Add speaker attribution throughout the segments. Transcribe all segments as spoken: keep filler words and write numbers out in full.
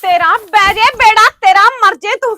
Speaker 1: तेरा बैजे बेड़ा तेरा मर जे तू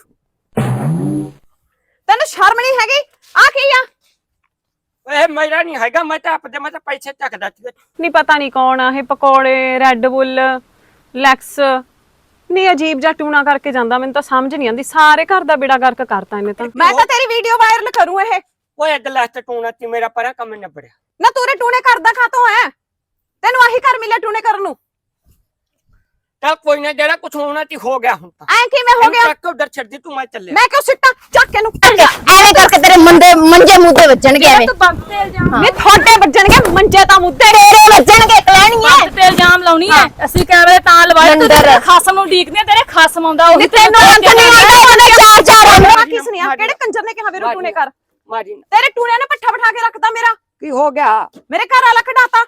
Speaker 1: तेन शर्म नहीं हैगी आ की आ
Speaker 2: ए मेरा नहीं हैगा मैं तो आपदे मैं तो पैसे चकदा सी
Speaker 1: नहीं पता नहीं कौन आ पकौड़े रेड बुल लैक्स नहीं अजीब जा टूना करके जांदा मैनूं तां समझ नहीं आंदी सारे घर दा बेड़ा गर्क करता इन्हें तां मैं तां तेरी वीडियो वायरल करूं ए
Speaker 2: ओए गिलास टूना ती मेरा परा कम निबड़िया
Speaker 1: ना तूरे टूने करदा खातों है तेनू आही कर मिले टूने करन नूं
Speaker 2: चल कोई ना जेड़ा कुछ होना ती हो गया हुण तां
Speaker 1: ऐ किवें हो गया
Speaker 2: तक उधर छड़ दी तू मैं चले
Speaker 1: मैं क्यों सिट्टा चक के नूं
Speaker 3: ਐਵੇਂ ਕਰਕੇ ਤੇਰੇ ਮੰਦੇ ਮੰਜੇ ਮੁੱਦੇ ਵੱਜਣਗੇ ਐਵੇਂ
Speaker 1: तू बंद ते इल्जाम नहीं थोड़े वजणगे मंजे ता मुद्दे
Speaker 3: ਤੇਰੇ ਵੱਜਣਗੇ ਕਲੈਣੀਆਂ
Speaker 4: ਤੇ ਇਲਜ਼ਾਮ ਲਾਉਣੀ ਐ ਅਸੀਂ ਕੈਮਰੇ ਤਾਂ ਲਵਾਏ ਤੂੰ ਤੇਰੇ ਖਾਸਮ ਨੂੰ ਡੀਕਦੇ ਤੇਰੇ ਖਾਸਮ ਆਉਂਦਾ ਉਹੀ
Speaker 1: ਤੈਨੂੰ
Speaker 3: ਅੰਤ ਨਹੀਂ ਆਉਂਦਾ ਉਹਨੇ ਚਾਰ ਚਾਰ
Speaker 1: ਆ किस ने केड़े कंजर ने कहा वे टूने कर
Speaker 2: मारी
Speaker 1: तेरे टूने ने पट्ठा बिठा के रखता मेरा
Speaker 2: की हो गया
Speaker 1: मेरे घर वाला खड़ाता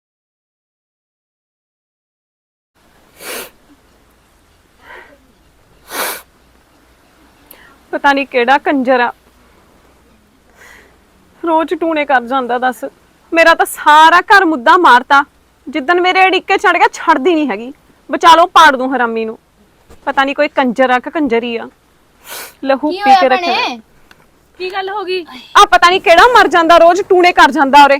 Speaker 1: पता नहीं केड़ा कंजर आ रोज टूने कर जांदा दस मेरा तो सारा घर मुद्दा मारता जिदन मेरे अड़िके चढ़ गया छड़दी नहीं हैगी बचा लो पाड़ दूं हरामी नूं पता नहीं कोई कंजर आ कि कंजरी आ लहू पी के रखे
Speaker 4: ਕੀ ਗੱਲ ਹੋ ਗਈ
Speaker 1: आ पता नहीं केड़ा मर जांदा रोज टूने कर जांदा ओरे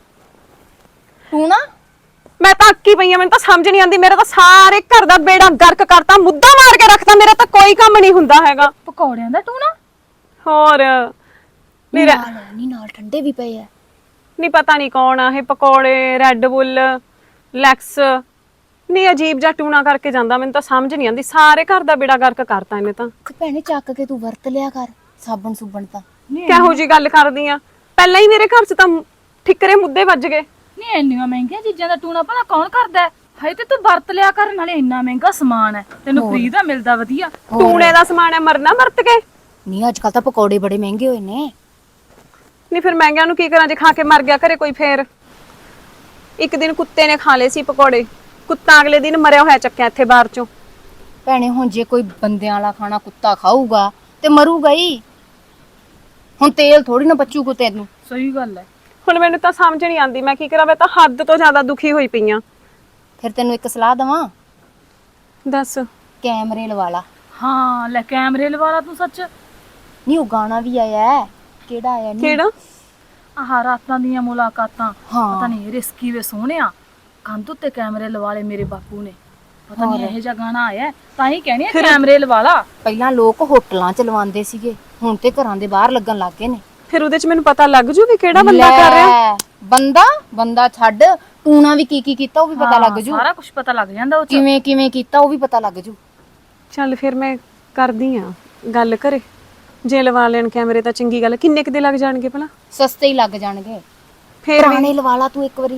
Speaker 3: ਟੂਣਾ
Speaker 1: मैं तो अक्की पई मैं तो समझ नहीं आंदी मेरा तो सारे घर दा बेड़ा गर्क करता मुद्दा मार के रखता मेरा तो कोई काम नहीं हुंदा हैगा
Speaker 4: ਪਕੌੜਿਆਂ ਦਾ ਟੂਣਾ
Speaker 1: और मेरा
Speaker 3: ਨਹੀਂ ਨਾਲ ਠੰਡੇ ਵੀ ਪਏ ਆ
Speaker 1: नहीं पता नहीं कौन आ ये पकौड़े रेड बुल लैक्स नहीं अजीब जा टूना करके जांदा मैनूं तो समझ नहीं आंदी सारे घर दा बेड़ा गर्क करता इन्हें तो
Speaker 3: ਭੈਣੇ ਚੱਕ ਕੇ ਤੂੰ ਵਰਤ ਲਿਆ ਕਰ ਸਾਬਣ ਸੁਬਣ ਤਾਂ
Speaker 1: ਕਿਹੋ ਜੀ ਗੱਲ ਕਰਦੀ ਆ ਪਹਿਲਾਂ ਹੀ ਮੇਰੇ ਘਰ 'ਚ ਤਾਂ ਠਿਕਰੇ ਮੁੱਦੇ ਵੱਜ ਗਏ
Speaker 4: ਨਹੀਂ ਇੰਨੀਆਂ ਮਹਿੰਗੀਆਂ ਚੀਜ਼ਾਂ ਦਾ ਟੂਣਾ ਭਲਾ ਕੌਣ ਕਰਦਾ ਹੈ ਹਾਏ ਤੇ ਤੂੰ ਵਰਤ ਲਿਆ ਕਰ ਨਾਲੇ ਇੰਨਾ ਮਹਿੰਗਾ ਸਮਾਨ ਹੈ ਤੈਨੂੰ ਫ੍ਰੀ ਦਾ ਮਿਲਦਾ ਵਧੀਆ
Speaker 1: ਟੂਣੇ ਦਾ ਸਮਾਨ ਹੈ ਮਰਨਾ ਵਰਤ ਕੇ
Speaker 3: ਨਹੀਂ ਅੱਜ ਕੱਲ ਤਾਂ ਪਕੌੜੇ ਬੜੇ ਮਹਿੰਗੇ ਹੋਏ ਨੇ
Speaker 1: ਨਹੀਂ ਫਿਰ ਮਹਿੰਗਿਆਂ ਨੂੰ ਕੀ ਕਰਾਂ ਜੇ ਖਾ ਕੇ ਮਰ ਗਿਆ ਘਰੇ ਕੋਈ ਫੇਰ ਇੱਕ ਦਿਨ ਕੁੱਤੇ ਨੇ ਖਾ ਲਏ ਸੀ ਪਕੌੜੇ ਕੁੱਤਾ ਅਗਲੇ ਦਿਨ ਮਰਿਆ ਹੋਇਆ ਚੱਕਿਆ ਇੱਥੇ ਬਾਹਰ ਚੋਂ
Speaker 3: ਭੈਣੇ ਹੁਣ ਜੇ ਕੋਈ ਬੰਦਿਆਂ ਵਾਲਾ ਖਾਣਾ ਕੁੱਤਾ ਖਾਊਗਾ ਤੇ ਮਰੂਗਾ ਹੀ ਹੁਣ ਤੇਲ ਥੋੜੀ ਨਾ ਬਚੂ ਕੋ ਤੈਨੂੰ
Speaker 4: ਸਹੀ ਗੱਲ ਹੈ
Speaker 1: ਹੁਣ ਮੈਨੂੰ ਤਾਂ ਸਮਝ ਨਹੀਂ ਆਂਦੀ ਮੈਂ ਕੀ ਕਰਾਂ ਮੈਂ ਤਾਂ ਹੱਦ ਤੋਂ ਜ਼ਿਆਦਾ ਦੁਖੀ ਹੋਈ ਪਈ ਆ
Speaker 3: ਫਿਰ ਤੈਨੂੰ ਇੱਕ ਸਲਾਹ ਦਵਾਂ
Speaker 1: ਦੱਸ
Speaker 3: ਕੈਮਰੇ ਲਵਾ ਲਾ
Speaker 4: ਹਾਂ ਲੈ ਕੈਮਰੇ ਲਵਾ ਲਾ ਤੂੰ ਸੱਚ
Speaker 3: ਨਹੀਂ ਉਹ ਗਾਣਾ ਵੀ ਆਇਆ ਹੈ ਕਿਹੜਾ ਆਇਆ ਨਹੀਂ
Speaker 1: ਕਿਹੜਾ
Speaker 4: ਆਹ ਰਾਤਾਂ ਦੀਆਂ ਮੁਲਾਕਾਤਾਂ
Speaker 3: ਹਾਂ।
Speaker 4: ਪਤਾ ਨਹੀਂ ਰਿਸਕੀ ਵੇ ਸੋਹਣਿਆ ਕੰਧ ਉੱਤੇ ਕੈਮਰੇ ਲਵਾ ਲਏ ਮੇਰੇ ਬਾਪੂ ਨੇ ਪਤਾ ਨਹੀਂ ਇਹੋ ਜਿਹਾ ਗਾਣਾ ਆਇਆ ਤਾਂ ਹੀ ਕਹਿਣੀ ਹੈ ਕੈਮਰੇ ਲਵਾ ਲਾ
Speaker 3: ਪਹਿਲਾਂ ਲੋਕ ਹੋਟਲਾਂ ਚ ਲਵਾਉਂਦੇ ਸੀਗੇ ਹੁਣ ਤੇ ਘਰਾਂ ਦੇ ਬਾਹਰ ਲੱਗਣ ਲੱਗ ਗਏ ਨੇ
Speaker 1: ਫਿਰ ਉਹਦੇ 'ਚ ਮੈਨੂੰ ਪਤਾ ਲੱਗ ਜੂ ਵੀ ਕਿਹੜਾ ਬੰਦਾ ਕਰ ਰਿਹਾ
Speaker 3: ਲੈ, ਬੰਦਾ ਬੰਦਾ ਛੱਡ ਟੂਣਾ ਵੀ ਕੀ ਕੀ ਕੀਤਾ ਉਹ ਵੀ ਪਤਾ ਲੱਗ ਜੂ
Speaker 4: ਸਾਰਾ ਕੁਝ ਪਤਾ ਲੱਗ ਜਾਂਦਾ ਉਹ ਚ
Speaker 3: ਕਿਵੇਂ ਕਿਵੇਂ ਕੀਤਾ ਉਹ ਵੀ ਪਤਾ ਲੱਗ ਜੂ
Speaker 1: ਚੱਲ ਫਿਰ ਮੈਂ ਕਰਦੀ ਆ ਗੱਲ ਕਰੇ ਜੇ ਲਵਾ ਲੈਣ ਕੈਮਰੇ ਤਾਂ ਚੰਗੀ ਗੱਲ ਕਿੰਨੇ ਕੁ ਦੇ ਲੱਗ ਜਾਣਗੇ ਭਲਾ
Speaker 3: ਸਸਤੇ ਹੀ ਲੱਗ ਜਾਣਗੇ
Speaker 1: ਫੇਰ ਵੀ
Speaker 3: ਪੁਰਾਣੇ ਲਵਾ ਲਾ ਤੂੰ ਇੱਕ ਵਾਰੀ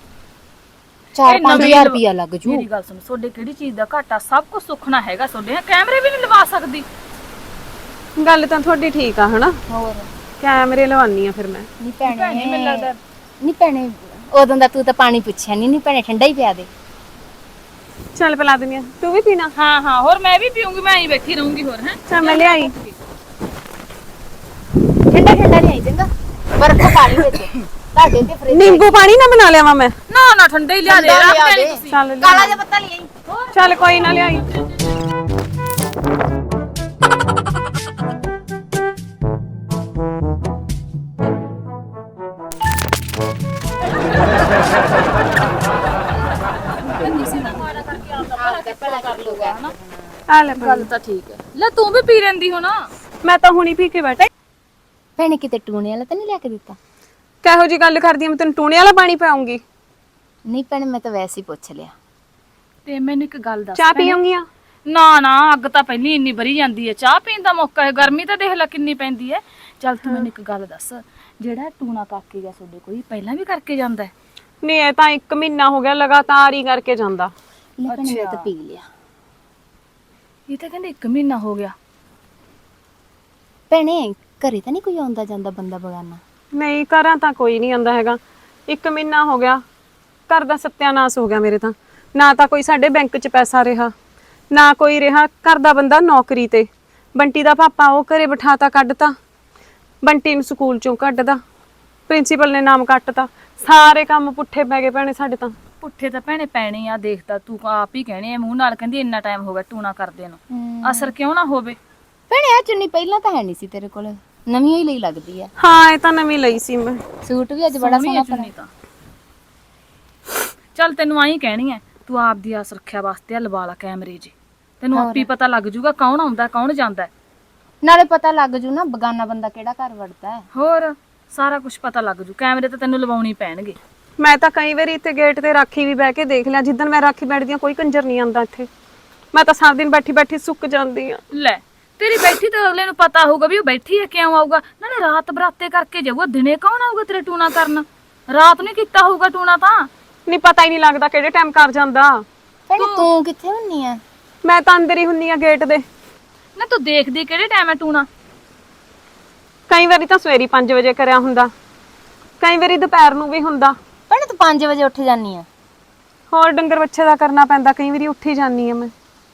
Speaker 3: ਚਾਰ ਪੰਜ ਹਜ਼ਾਰ ਰੁਪਇਆ ਲੱਗ ਜੂ
Speaker 4: ਮੇਰੀ ਗੱਲ ਸੁਣ ਤੁਹਾਡੇ ਕਿਹੜੀ ਚੀਜ਼ ਦਾ ਘਾਟਾ ਸਭ ਕੁਝ ਸੁਖਣਾ ਹੈਗਾ ਤੁਹਾਡੇ ਕੈਮਰੇ ਵੀ ਨਹੀਂ ਲਵਾ ਸਕਦੀ
Speaker 1: ਗੱਲ ਤਾਂ ਤੁਹਾਡੀ ਠੀਕ ਆ ਹਨਾ
Speaker 3: ਹੋਰ
Speaker 1: ਕੈਮਰੇ ਲਵਾਨੀ ਆ ਫਿਰ ਮੈਂ
Speaker 3: ਨਹੀਂ ਭੈਣੇ
Speaker 4: ਮੈਨੂੰ ਲੱਗਦਾ
Speaker 3: ਨਹੀਂ ਭੈਣੇ ਉਦੋਂ ਦਾ ਤੂੰ ਤਾਂ ਪਾਣੀ ਪੁੱਛਿਆ ਨਹੀਂ ਨਹੀਂ ਭੈਣੇ ਠੰਡਾ ਹੀ ਪਿਆ ਦੇ
Speaker 1: ਚੱਲ ਪਿਲਾ ਦਿੰਦੀ ਆ ਤੂੰ ਵੀ ਪੀਣਾ
Speaker 4: ਹਾਂ ਹਾਂ ਹੋਰ ਮੈਂ ਵੀ ਪੀਉਂਗੀ ਮੈਂ ਐਂ ਬੈਠੀ ਰਹੂੰਗੀ ਹੋਰ ਹੈ
Speaker 1: ਚੱਲ ਮੈਂ ਲਿਆਈ
Speaker 3: ਠੰਡਾ ਠੰਡਾ ਨਹੀਂ ਆਈ ਚੰਗਾ ਬਰਫ ਪਾਣੀ ਵਿੱਚ ਤੁਹਾਡੇ ਤੇ ਫਰਿੱਜ
Speaker 1: ਨਿੰਬੂ ਪਾਣੀ ਨਾ ਬਣਾ ਲਿਆਵਾਂ ਮੈਂ
Speaker 4: ਨਾ ਨਾ ਠੰਡਾ ਹੀ ਲਿਆ ਦੇ
Speaker 3: ਠੰਡਾ
Speaker 4: ਰੱਖ
Speaker 3: ਲਿਆ
Speaker 4: ਦੇਣੀ
Speaker 3: ਦੇ।
Speaker 4: ਤੁਸੀਂ
Speaker 1: ਚੱਲ ਲਿਆ।
Speaker 3: ਕਾਲਾ ਜਿਹਾ ਪੱਤਾ ਲਈ ਆਈ
Speaker 1: ਚੱਲ ਕੋਈ ਨਾ ਲਿਆਈ ਆ ਲੈ
Speaker 4: ਗੱਲ ਤਾਂ ਠੀਕ ਹੈ ਲੈ ਤੂੰ ਵੀ ਪੀ ਲੈਂਦੀ ਹੋ ਨਾ
Speaker 1: ਮੈਂ ਤਾਂ ਹੁਣੀ ਪੀ ਕੇ ਬੈਠੀ
Speaker 3: ਭੈਣੇ ਕਿਤੇ ਟੂਣੇ ਵਾਲਾ ਤਾਂ ਨਹੀਂ ਲਿਆ ਕੇ ਦਿੱਤਾ
Speaker 1: ਕਿਹੋ ਜੀ ਗੱਲ ਕਰਦੀ ਆ ਮੈਂ ਤੈਨੂੰ ਟੂਣੇ ਵਾਲਾ ਪਾਣੀ ਪਾਉਂਗੀ
Speaker 3: ਨਹੀਂ ਭੈਣੇ ਮੈਂ ਤਾਂ ਵੈਸੇ ਹੀ ਪੁੱਛ ਲਿਆ
Speaker 4: ਤੇ ਮੈਨੂੰ ਇੱਕ ਗੱਲ ਦੱਸ
Speaker 1: ਚਾਹ ਪੀਉਂਗੀ ਆ
Speaker 4: ਨਾ ਨਾ ਅੱਗ ਤਾਂ ਪਹਿਲੀ ਇੰਨੀ ਭਰੀ ਜਾਂਦੀ ਹੈ ਚਾਹ ਪੀਣ ਦਾ ਮੌਕਾ ਹੈ ਗਰਮੀ ਤਾਂ ਦੇਖ ਲੈ ਕਿੰਨੀ ਪੈਂਦੀ ਹੈ ਚੱਲ ਤੂੰ ਮੈਨੂੰ ਇੱਕ ਗੱਲ ਦੱਸ ਜਿਹੜਾ ਟੂਣਾ ਕਾਕੇ ਗਿਆ ਤੁਹਾਡੇ ਕੋਈ ਪਹਿਲਾਂ ਵੀ ਕਰਕੇ ਜਾਂਦਾ ਹੈ
Speaker 1: ਨਹੀਂ ਇਹ ਤਾਂ ਇੱਕ ਮਹੀਨਾ ਹੋ ਗਿਆ ਲਗਾਤਾਰ ਹੀ ਕਰਕੇ ਜਾਂਦਾ
Speaker 3: ਲੈ ਭੈਣੇ ਮੈਂ ਤਾਂ ਪੀ ਲਿਆ
Speaker 4: ਇਹ ਤਾਂ ਕਹਿੰਦੇ ਇੱਕ ਮਹੀਨਾ ਹੋ ਗਿਆ
Speaker 3: ਭੈਣੇ ਘਰੇ ਤਾਂ ਨਹੀਂ ਕੋਈ ਆਉਂਦਾ ਜਾਂਦਾ ਬੰਦਾ ਬਗਾਨਾ
Speaker 1: ਨਹੀਂ ਘਰਾਂ ਤਾਂ ਕੋਈ ਨਹੀਂ ਆਂਦਾ ਹੈਗਾ ਇੱਕ ਮਹੀਨਾ ਹੋ ਗਿਆ ਘਰ ਦਾ ਸਤਿਆਨਾਸ਼ ਹੋ ਗਿਆ ਮੇਰੇ ਤਾਂ ਨਾ ਤਾਂ ਕੋਈ ਸਾਡੇ ਬੈਂਕ 'ਚ ਪੈਸਾ ਰਿਹਾ ਨਾ ਕੋਈ ਰਿਹਾ ਘਰ ਦਾ ਬੰਦਾ ਨੌਕਰੀ ਤੇ ਬੰਟੀ ਦਾ ਪਾਪਾ ਉਹ ਘਰੇ ਬਿਠਾਤਾ ਕੱਢਤਾ ਬੰਟੀ ਨੂੰ ਸਕੂਲ ਚੋਂ ਕੱਢਦਾ ਪ੍ਰਿੰਸੀਪਲ ਨੇ ਨਾਮ ਕੱਟਤਾ ਸਾਰੇ ਕੰਮ ਪੁੱਠੇ ਪੈ ਗਏ ਭੈਣੇ ਸਾਡੇ ਤਾਂ
Speaker 4: ਪੁੱਠੇ ਤਾਂ ਭੈਣੇ ਪੈਣੇ ਆ, ਦੇਖਦਾ ਤੂੰ ਆਪ ਹੀ ਕਹਿਣੇ ਆ ਮੂੰਹ ਨਾਲ, ਕਹਿੰਦੀ ਇੰਨਾ ਟਾਈਮ ਹੋ ਗਿਆ ਟੂਣਾ ਕਰਦੇ ਨੂੰ, ਅਸਰ ਕਿਉਂ ਨਾ ਹੋਵੇ।
Speaker 3: ਭੈਣੇ ਆ ਚੁੰਨੀ ਪਹਿਲਾਂ ਤਾਂ ਹੈ ਨਹੀਂ ਸੀ ਤੇਰੇ ਕੋਲ, ਨਵੀਂ ਹੀ ਲਈ ਲੱਗਦੀ ਆ।
Speaker 1: ਹਾਂ ਇਹ ਤਾਂ ਨਵੀਂ ਲਈ ਸੀ ਮੈਂ।
Speaker 3: ਸੂਟ ਵੀ ਅੱਜ ਬੜਾ ਸੋਹਣਾ
Speaker 4: ਚੁੰਨੀ ਤਾਂ ਚੱਲ ਤੈਨੂੰ ਆਈ ਕਹਿਣੀ ਐ, ਤੂੰ ਆਪ ਦੀ ਆ ਸੁਰੱਖਿਆ ਵਾਸਤੇ ਆ ਲਵਾ ਲਾ ਕੈਮਰੇ ਜੀ, ਤੈਨੂੰ ਆਪੀ ਪਤਾ ਲੱਗ ਜੂਗਾ ਕੌਣ ਆਉਂਦਾ ਕੌਣ ਜਾਂਦਾ।
Speaker 3: ਨਾਲੇ ਪਤਾ ਲੱਗ ਜੂ ਨਾ ਬਗਾਨਾ ਬੰਦਾ ਕਿਹੜਾ ਘਰ ਵੜਦਾ ਹੈ।
Speaker 4: ਹੋਰ ਸਾਰਾ ਕੁਝ ਪਤਾ ਲੱਗ ਜੂ, ਕੈਮਰੇ ਤਾਂ ਤੈਨੂੰ ਲਵਾਉਣੀ ਪੈਣਗੇ।
Speaker 1: ਮੈਂ ਤਾਂ ਕਈ ਵਾਰੀ ਇੱਥੇ ਗੇਟ ਤੇ ਰਾਖੀ ਵੀ ਬਹਿ ਕੇ ਦੇਖ ਲਿਆ, ਜਿੱਦਣ ਮੈਂ ਰਾਖੀ ਬੈਠਦੀ ਆ ਕੋਈ ਕੰਜਰ ਨਹੀਂ ਆਂਦਾ ਇੱਥੇ। ਮੈਂ ਤਾਂ ਸਾਰਾ ਦਿਨ ਬੈਠੀ ਬੈਠੀ ਸੁੱਕ ਜਾਂਦੀ ਆ।
Speaker 4: ਲੈ ਤੇਰੀ ਬੈਠੀ ਤਾਂ ਅਗਲੇ ਨੂੰ ਪਤਾ ਹੋਊਗਾ ਵੀ ਉਹ ਬੈਠੀ ਹੈ, ਕਿਉਂ ਆਊਗਾ, ਨਾਲੇ ਰਾਤ ਬਰਾਤੇ ਕਰਕੇ ਜਾਊਗਾ, ਦਿਨੇ ਕੌਣ ਆਊਗਾ ਤੇਰੇ ਟੂਣਾ ਕਰਨ, ਰਾਤ ਨੂੰ ਕੀਤਾ ਹੋਊਗਾ ਟੂਣਾ ਤਾਂ।
Speaker 1: ਨਹੀਂ ਪਤਾ ਹੀ ਨਹੀਂ ਲੱਗਦਾ ਕਿਹੜੇ ਟਾਈਮ ਕਰ ਜਾਂਦਾ।
Speaker 3: ਭੈਣੇ ਤੂੰ ਕਿੱਥੇ ਹੁੰਨੀ ਆ?
Speaker 1: ਮੈਂ ਤਾਂ ਅੰਦਰ ਹੀ ਹੁੰਨੀ ਆ ਗੇਟ ਦੇ।
Speaker 4: ਨਾ ਤੂੰ ਦੇਖਦੀ ਕਿਹੜੇ ਟਾਈਮ ਹੈ ਟੂਣਾ?
Speaker 1: ਕਈ ਵਾਰੀ ਤਾਂ ਸਵੇਰੀ ਪੰਜ ਵਜੇ ਕਰਿਆ ਹੁੰਦਾ, ਕਈ ਵਾਰੀ ਦੁਪਹਿਰ ਨੂੰ ਵੀ ਹੁੰਦਾ।
Speaker 3: ਭੈਣੇ ਤੂੰ ਪੰਜ ਵਜੇ ਉੱਠ ਜਾਨੀ ਆ?
Speaker 1: ਹੋਰ ਡੰਗਰ ਬੱਚੇ ਦਾ ਕਰਨਾ ਪੈਂਦਾ, ਕਈ ਵਾਰੀ ਉੱਠ ਹੀ ਜਾਨੀ ਆ ਮੈਂ।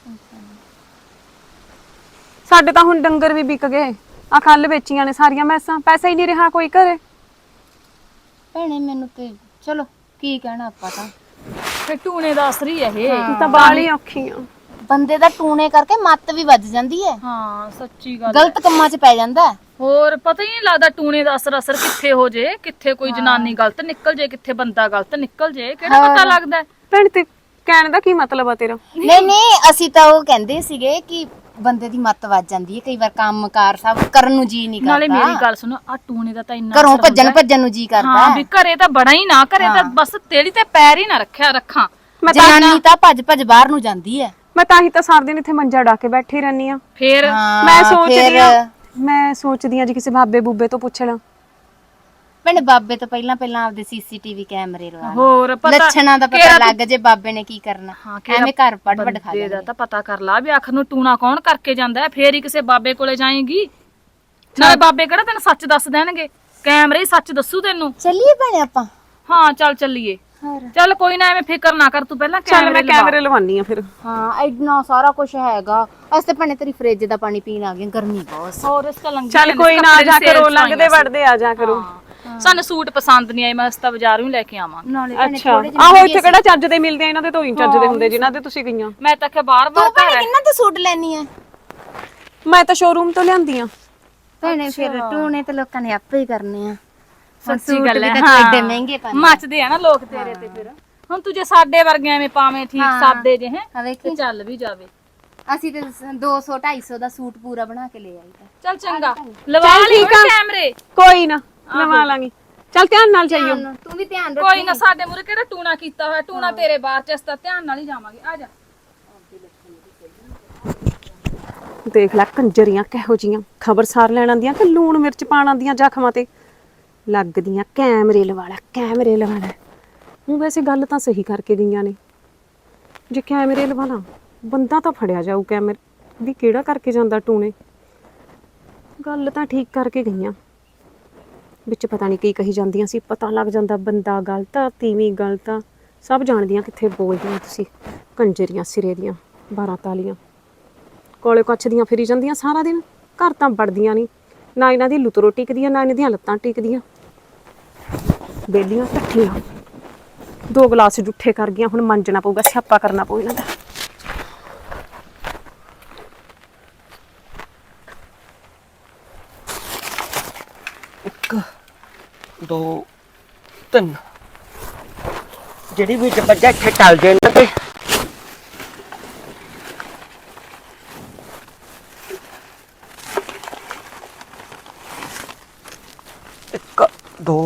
Speaker 1: ਸਾਡੇ ਤਾਂ ਹੁਣ ਡੰਗਰ ਵੀ ਵਿਕ ਗਏ, ਆ ਕੱਲ ਵੇਚੀਆਂ ਨੇ ਸਾਰੀਆਂ ਮੈਸਾਂ, ਪੈਸਾ ਹੀ ਨਹੀਂ ਰਿਹਾ ਕੋਈ ਘਰੇ।
Speaker 3: ਭੈਣੇ ਮੈਨੂੰ ਤੇ ਚਲੋ ਕੀ ਕਹਿਣਾ ਆਪਾਂ ਤਾਂ,
Speaker 4: ਫੇ ਟੂਣੇ ਦਾ ਅਸਰ ਹੀ ਹੈ ਇਹ
Speaker 1: ਤਾਂ ਬਾਲੀ ਔਖੀ ਆ।
Speaker 3: ਬੰਦੇ ਦਾ ਟੂਣੇ ਕਰਕੇ ਮੱਤ ਵੀ ਵੱਜ ਜਾਂਦੀ ਹੈ।
Speaker 4: ਹਾਂ ਸੱਚੀ ਗੱਲ,
Speaker 3: ਗਲਤ ਕੰਮਾਂ 'ਚ ਪੈ ਜਾਂਦਾ।
Speaker 4: ਹੋਰ ਪਤਾ ਹੀ ਨਹੀਂ ਲੱਗਦਾ ਟੂਣੇ ਦਾ ਅਸਰ ਅਸਰ ਕਿੱਥੇ ਹੋ ਜੇ, ਕਿੱਥੇ ਕੋਈ ਜਨਾਨੀ ਗਲਤ ਨਿਕਲ ਜੇ, ਕਿੱਥੇ ਬੰਦਾ ਗਲਤ ਨਿਕਲ ਜੇ, ਕਿਹੜਾ ਪਤਾ ਲੱਗਦਾ।
Speaker 1: ਭੈਣ ਤੇ ਕਹਿਣ ਦਾ ਕੀ ਮਤਲਬ ਆ ਤੇਰਾ?
Speaker 3: ਨਹੀਂ ਨਹੀਂ ਅਸੀਂ ਤਾਂ ਉਹ ਕਹਿੰਦੇ ਸੀਗੇ ਕਿ ਬੰਦੇ ਦੀ ਮੱਤ ਵੱਜ ਜਾਂਦੀ ਹੈ ਕਈ ਵਾਰ, ਕੰਮਕਾਰ ਸਭ ਕਰਨ ਨੂੰ ਜੀ ਨਹੀਂ ਕਰਦਾ।
Speaker 4: ਨਾਲੇ ਮੇਰੀ ਗੱਲ ਸੁਣੋ, ਆ ਟੂਣੇ ਦਾ ਤਾਂ ਇੰਨਾ
Speaker 3: ਘਰੋਂ
Speaker 4: ਅਸਰ
Speaker 3: ਭੱਜਣ
Speaker 4: ਹੁੰਦਾ ਹੈ।
Speaker 3: ਭੱਜਣ ਨੂੰ ਜੀ ਕਰਦਾ।
Speaker 4: ਹਾਂ ਵੀ ਘਰੇ ਤਾਂ ਬੜਾ ਹੀ ਨਾ ਕਰੇ ਤਾਂ ਬਸ ਤੇੜੀ ਤੇ ਪੈਰ ਹੀ ਨਾ ਰੱਖਿਆ ਰੱਖਾਂ।
Speaker 1: ਮੈਂ ਤਾਂ
Speaker 3: ਜਨਾਨੀ ਤਾਂ ਭੱਜ ਭੱਜ ਬਾਹਰ ਨੂੰ ਜਾਂਦੀ ਹੈ।
Speaker 1: ਮੈਂ ਤਾਂ ਹੀ ਤਾਂ ਸਾਰਾ ਦਿਨ ਇੱਥੇ ਮੰਜਾ ਡਾ ਕੇ ਬੈਠੀ ਰਹਿਨੀ ਆ।
Speaker 4: ਫੇਰ
Speaker 1: ਮੈਂ ਸੋਚਦੀ ਆ ਮੈਂ ਸੋਚਦੀ ਆ ਜੀ ਕਿਸੇ ਬਾਬੇ ਬੂਬੇ ਤੋਂ ਪੁੱਛ ਲਾਂ।
Speaker 3: ਮੈਨੇ ਬਾਬੇ ਤੋਂ ਪਹਿਲਾਂ ਪਹਿਲਾਂ ਆਪਦੇ ਸੀਸੀਟੀਵੀ ਕੈਮਰੇ ਲਵਾ ਲਏ।
Speaker 4: ਹੋਰ ਪਤਾ
Speaker 3: ਲੱਛਣਾਂ ਦਾ ਪਤਾ ਲੱਗ ਜੇ ਬਾਬੇ ਨੇ ਕੀ ਕਰਨਾ।
Speaker 4: ਹਾਂ,
Speaker 3: ਐਵੇਂ ਘਰ ਪੜ ਪੜ ਖਾ
Speaker 4: ਬੰਦੇ ਦਾ ਤਾਂ ਪਤਾ ਕਰ ਲਾ ਵੀ ਆਖਰ ਨੂੰ ਟੂਣਾ ਕੌਣ ਕਰਕੇ ਜਾਂਦਾ ਹੈ, ਫੇਰ ਹੀ ਕਿਸੇ ਬਾਬੇ ਕੋਲੇ ਜਾਏਗੀ। ਨਾਲੇ ਬਾਬੇ ਕਿਹੜਾ ਤੈਨੂੰ ਸੱਚ ਦੱਸ ਦੇਣਗੇ, ਕੈਮਰੇ ਹੀ ਸੱਚ ਦੱਸੂ ਤੈਨੂੰ।
Speaker 3: ਚੱਲੀਏ ਭੈਣੇ ਆਪਾਂ?
Speaker 4: ਹਾਂ ਚੱਲ ਚੱਲੀਏ। ਚੱਲ ਕੋਈ ਨਾ ਐਵੇਂ ਫਿਕਰ ਨਾ ਕਰ ਤੂੰ, ਪਹਿਲਾਂ
Speaker 1: ਚੱਲ ਮੈਂ
Speaker 4: ਕੈਮਰੇ
Speaker 1: ਕੈਮਰੇ ਲਵਾਨੀ ਆ ਫਿਰ।
Speaker 3: ਹਾਂ ਇੰਨਾ ਸਾਰਾ ਕੁਝ ਹੈਗਾ। ਅਸੀਂ ਤਾਂ ਭੈਣੇ ਤੇਰੀ ਫ੍ਰਿਜ ਦਾ ਪਾਣੀ ਪੀਣ ਆ ਗਏ, ਗਰਮੀ ਬਹੁਤ।
Speaker 4: ਹੋਰ ਇਸ ਲੰਘ
Speaker 1: ਚੱਲ ਕੋਈ ਨਾ, ਜਾ ਕਰੋ ਲੰਘਦੇ ਵੜਦੇ ਆ ਜਾ ਕਰੋ।
Speaker 4: ਸਾਨੂੰ ਸੂਟ ਪਸੰਦ ਨਹੀਂ ਆਏ, ਮੈਂ ਅਸਤਾ ਬਾਜ਼ਾਰੋਂ ਹੀ ਲੈ ਕੇ ਆਵਾਂਗੀ।
Speaker 3: ਨਾਲੇ ਭੈਣੇ
Speaker 1: ਅੱਛਾ ਆਹੋ ਇੱਥੇ ਕਿਹੜਾ ਚੱਜ ਦੇ ਮਿਲਦੇ ਆ, ਇਹਨਾਂ ਦੇ ਤੋਂ ਹੀ ਚੱਜ ਦੇ ਹੁੰਦੇ ਜਿਨ੍ਹਾਂ ਦੇ ਤੁਸੀਂ ਗਈਆਂ।
Speaker 4: ਮੈਂ ਤਾਂ ਕਿ ਬਾਰ ਬਾਰ
Speaker 3: ਤੂੰ ਭੈਣੇ ਕਿੰਨਾ ਤੇ ਸੂਟ ਲੈਣੀ ਆ?
Speaker 1: ਮੈਂ ਤਾਂ ਸ਼ੋਰੂਮ ਤੋਂ ਲਿਆਂਦੀ ਆ।
Speaker 3: ਭੈਣੇ ਫਿਰ ਟੂਣੇ ਤੇ ਲੋਕਾਂ ਨੇ ਆਪੇ ਹੀ ਕਰਨੇ ਆ।
Speaker 4: ਸੱਚੀ ਗੱਲ ਹੈ,
Speaker 3: ਹਾਂ ਐਡੇ ਮਹਿੰਗੇ ਪਾਣੇ
Speaker 4: ਮੱਚਦੇ ਆ ਨਾ ਲੋਕ ਤੇਰੇ ਤੇ। ਫਿਰ ਹੁਣ ਤੂੰ ਜੇ ਸਾਡੇ ਵਰਗਿਆਂ ਐਵੇਂ ਪਾਵੇਂ ਠੀਕ ਸਾਦੇ ਜੇ ਹੈ
Speaker 3: ਆ ਵੇਖੀ,
Speaker 4: ਚੱਲ ਵੀ ਜਾਵੇ।
Speaker 3: ਅਸੀਂ ਤੇ ਦੋ ਸੌ ਢਾਈ ਸੌ ਦਾ ਸੂਟ ਪੂਰਾ ਬਣਾ ਕੇ ਲੈ ਆਈ ਤਾਂ।
Speaker 4: ਚੱਲ ਚੰਗਾ ਲਵਾ ਲਈ ਕੈਮਰੇ।
Speaker 1: ਕੋਈ ਨਾ ਲਵਾ ਲਾਂਗੀ। ਚੱਲ ਧਿਆਨ ਨਾਲ ਜਾਈਓ।
Speaker 3: ਤੂੰ ਵੀ ਧਿਆਨ ਰੱਖ।
Speaker 4: ਕੋਈ ਨਾ, ਸਾਡੇ ਮੂਰੇ ਕਿਹੜਾ ਟੂਣਾ ਕੀਤਾ ਹੋਇਆ, ਟੂਣਾ ਤੇਰੇ ਬਾਹਰ ਚ, ਅਸਤਾ ਧਿਆਨ ਨਾਲ ਹੀ ਜਾਵਾਂਗੇ। ਆ ਜਾ।
Speaker 1: ਦੇਖ ਲੈ ਕੰਜਰੀਆਂ ਕਿਹੋ ਜੀਆਂ, ਖਬਰਸਾਰ ਲੈਣ ਆਂਦੀਆਂ ਕਿ ਲੂਣ ਮਿਰਚ ਪਾਣ ਆਂਦੀਆਂ ਜ਼ਖਮਾਂ ਤੇ ਲੱਗਦੀਆਂ। ਕੈਮਰੇ ਲਵਾ ਲੈ ਕੈਮਰੇ ਲਵਾ ਲੈ। ਉਹ ਵੈਸੇ ਗੱਲ ਤਾਂ ਸਹੀ ਕਰਕੇ ਗਈਆਂ ਨੇ, ਜੇ ਕੈਮਰੇ ਲਵਾ ਲਾ ਬੰਦਾ ਤਾਂ ਫੜਿਆ ਜਾਊ ਕੈਮਰੇ ਵੀ ਕਿਹੜਾ ਕਰਕੇ ਜਾਂਦਾ ਟੂਣੇ। ਗੱਲ ਤਾਂ ਠੀਕ ਕਰਕੇ ਗਈਆਂ, ਵਿੱਚ ਪਤਾ ਨਹੀਂ ਕੀ ਕਹੀ ਜਾਂਦੀਆਂ ਸੀ, ਪਤਾ ਲੱਗ ਜਾਂਦਾ ਬੰਦਾ ਗਲਤ ਆ ਤੀਵੀਂ ਗਲਤ ਆ। ਸਭ ਜਾਣਦੀਆਂ ਕਿੱਥੇ ਬੋਲਦੀਆਂ ਤੁਸੀਂ ਕੰਜਰੀਆਂ ਸਿਰੇ ਦੀਆਂ ਬਾਰਾਂ ਤਾਲੀਆਂ, ਕੋਲੇ ਕੱਛ ਦੀਆਂ ਫਿਰੀ ਜਾਂਦੀਆਂ ਸਾਰਾ ਦਿਨ। ਘਰ ਤਾਂ ਵੜਦੀਆਂ ਨਹੀਂ, ਨਾ ਇਹਨਾਂ ਦੀ ਲੁਤਰੋ ਟਿਕਦੀਆਂ ਨਾ ਇਹਨਾਂ ਦੀਆਂ ਲੱਤਾਂ ਟਿਕਦੀਆਂ। ਬੇਲੀਆਂ ਟੱਠੀਆਂ, ਦੋ ਗਲਾਸ ਜੁੱਠੇ ਕਰ ਗਈਆਂ, ਹੁਣ ਮੰਜਣਾ ਪਊਗਾ, ਸਿਆਪਾ ਕਰਨਾ ਪਊ ਇਹਨਾਂ ਦਾ।
Speaker 2: ਇੱਕ ਦੋ ਤਿੰਨ, ਜਿਹੜੀ ਵੀ ਬੱਜਾ ਇੱਥੇ ਟਲ ਜੇ ਇਹਨਾਂ ਤੇ। ਇੱਕ ਦੋ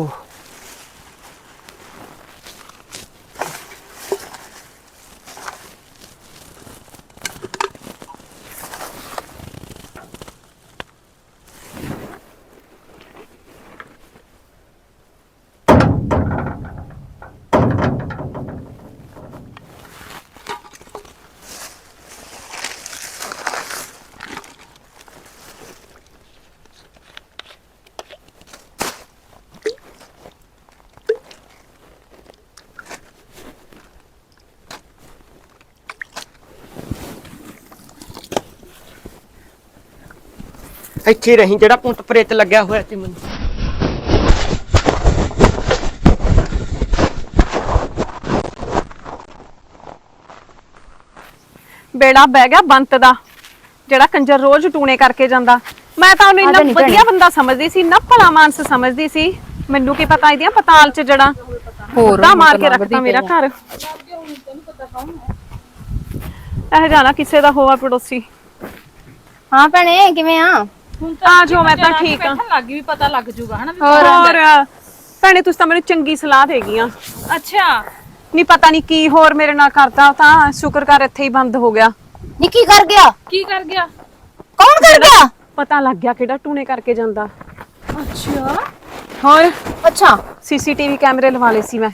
Speaker 2: ਇੱਥੇ ਰਹੀ, ਜਿਹੜਾ ਪੁੰਤ ਪ੍ਰੇਤ ਲੱਗਿਆ ਹੋਇਆ ਸੀ ਮੈਨੂੰ।
Speaker 1: ਬੇੜਾ ਬਹਿ ਗਿਆ ਬੰਤ ਦਾ, ਜਿਹੜਾ ਕੰਜਰ ਰੋਜ਼ ਟੂਣੇ ਕਰਕੇ ਜਾਂਦਾ। ਮੈਂ ਤਾਂ ਉਹਨੂੰ ਇੰਨਾ ਵਧੀਆ ਬੰਦਾ ਸਮਝਦੀ ਸੀ, ਨਾ ਭਲਾ ਮਾਨਸ ਸਮਝਦੀ ਸੀ। ਮੈਨੂੰ ਕੀ ਪਤਾ ਇਹਦੀਆਂ ਪਤਾਲ ਚ ਜੜਾ
Speaker 3: ਹੋਰ
Speaker 1: ਤਾਂ ਮਾਰ ਕੇ ਰੱਖਦਾ ਮੇਰਾ ਘਰ। ਇਹ ਜਾਣਾ ਕਿਸੇ ਦਾ ਹੋਆ ਪੜੋਸੀ।
Speaker 3: ਹਾਂ ਭੈਣੇ ਕਿਵੇਂ ਆ?
Speaker 4: ਹੁਣ
Speaker 1: ਆ ਜਾਓ, ਮੈਂ ਤਾਂ ਠੀਕ ਆ।
Speaker 4: ਬੈਠਣ ਲੱਗ ਗਈ ਵੀ ਪਤਾ ਲੱਗ ਜੂਗਾ ਹਨਾ ਵੀ
Speaker 1: ਹੋਰ ਭੈਣੇ ਤੁਸੀਂ ਤਾਂ ਮੈਨੂੰ ਚੰਗੀ ਸਲਾਹ ਦੇ ਗਈਆਂ।
Speaker 4: ਅੱਛਾ
Speaker 1: ਨਹੀਂ ਪਤਾ ਨਹੀਂ ਕੀ ਹੋਰ ਮੇਰੇ ਨਾਲ ਕਰਦਾ, ਤਾਂ ਸ਼ੁਕਰ ਕਰ ਇੱਥੇ ਹੀ ਬੰਦ ਹੋ ਗਿਆ।
Speaker 3: ਨੀ ਕੀ ਕਰ ਗਿਆ?
Speaker 4: ਕੀ ਕਰ ਗਿਆ?
Speaker 3: ਕੌਣ ਕਰ ਗਿਆ?
Speaker 1: ਪਤਾ ਲੱਗ ਗਿਆ ਕਿਹੜਾ ਟੂਣੇ ਕਰਕੇ ਜਾਂਦਾ।
Speaker 4: ਅੱਛਾ
Speaker 1: ਹੋਰ
Speaker 3: ਅੱਛਾ
Speaker 1: ਸੀਸੀਟੀਵੀ ਕੈਮਰੇ ਲਵਾ ਲਏ ਸੀ ਮੈਂ।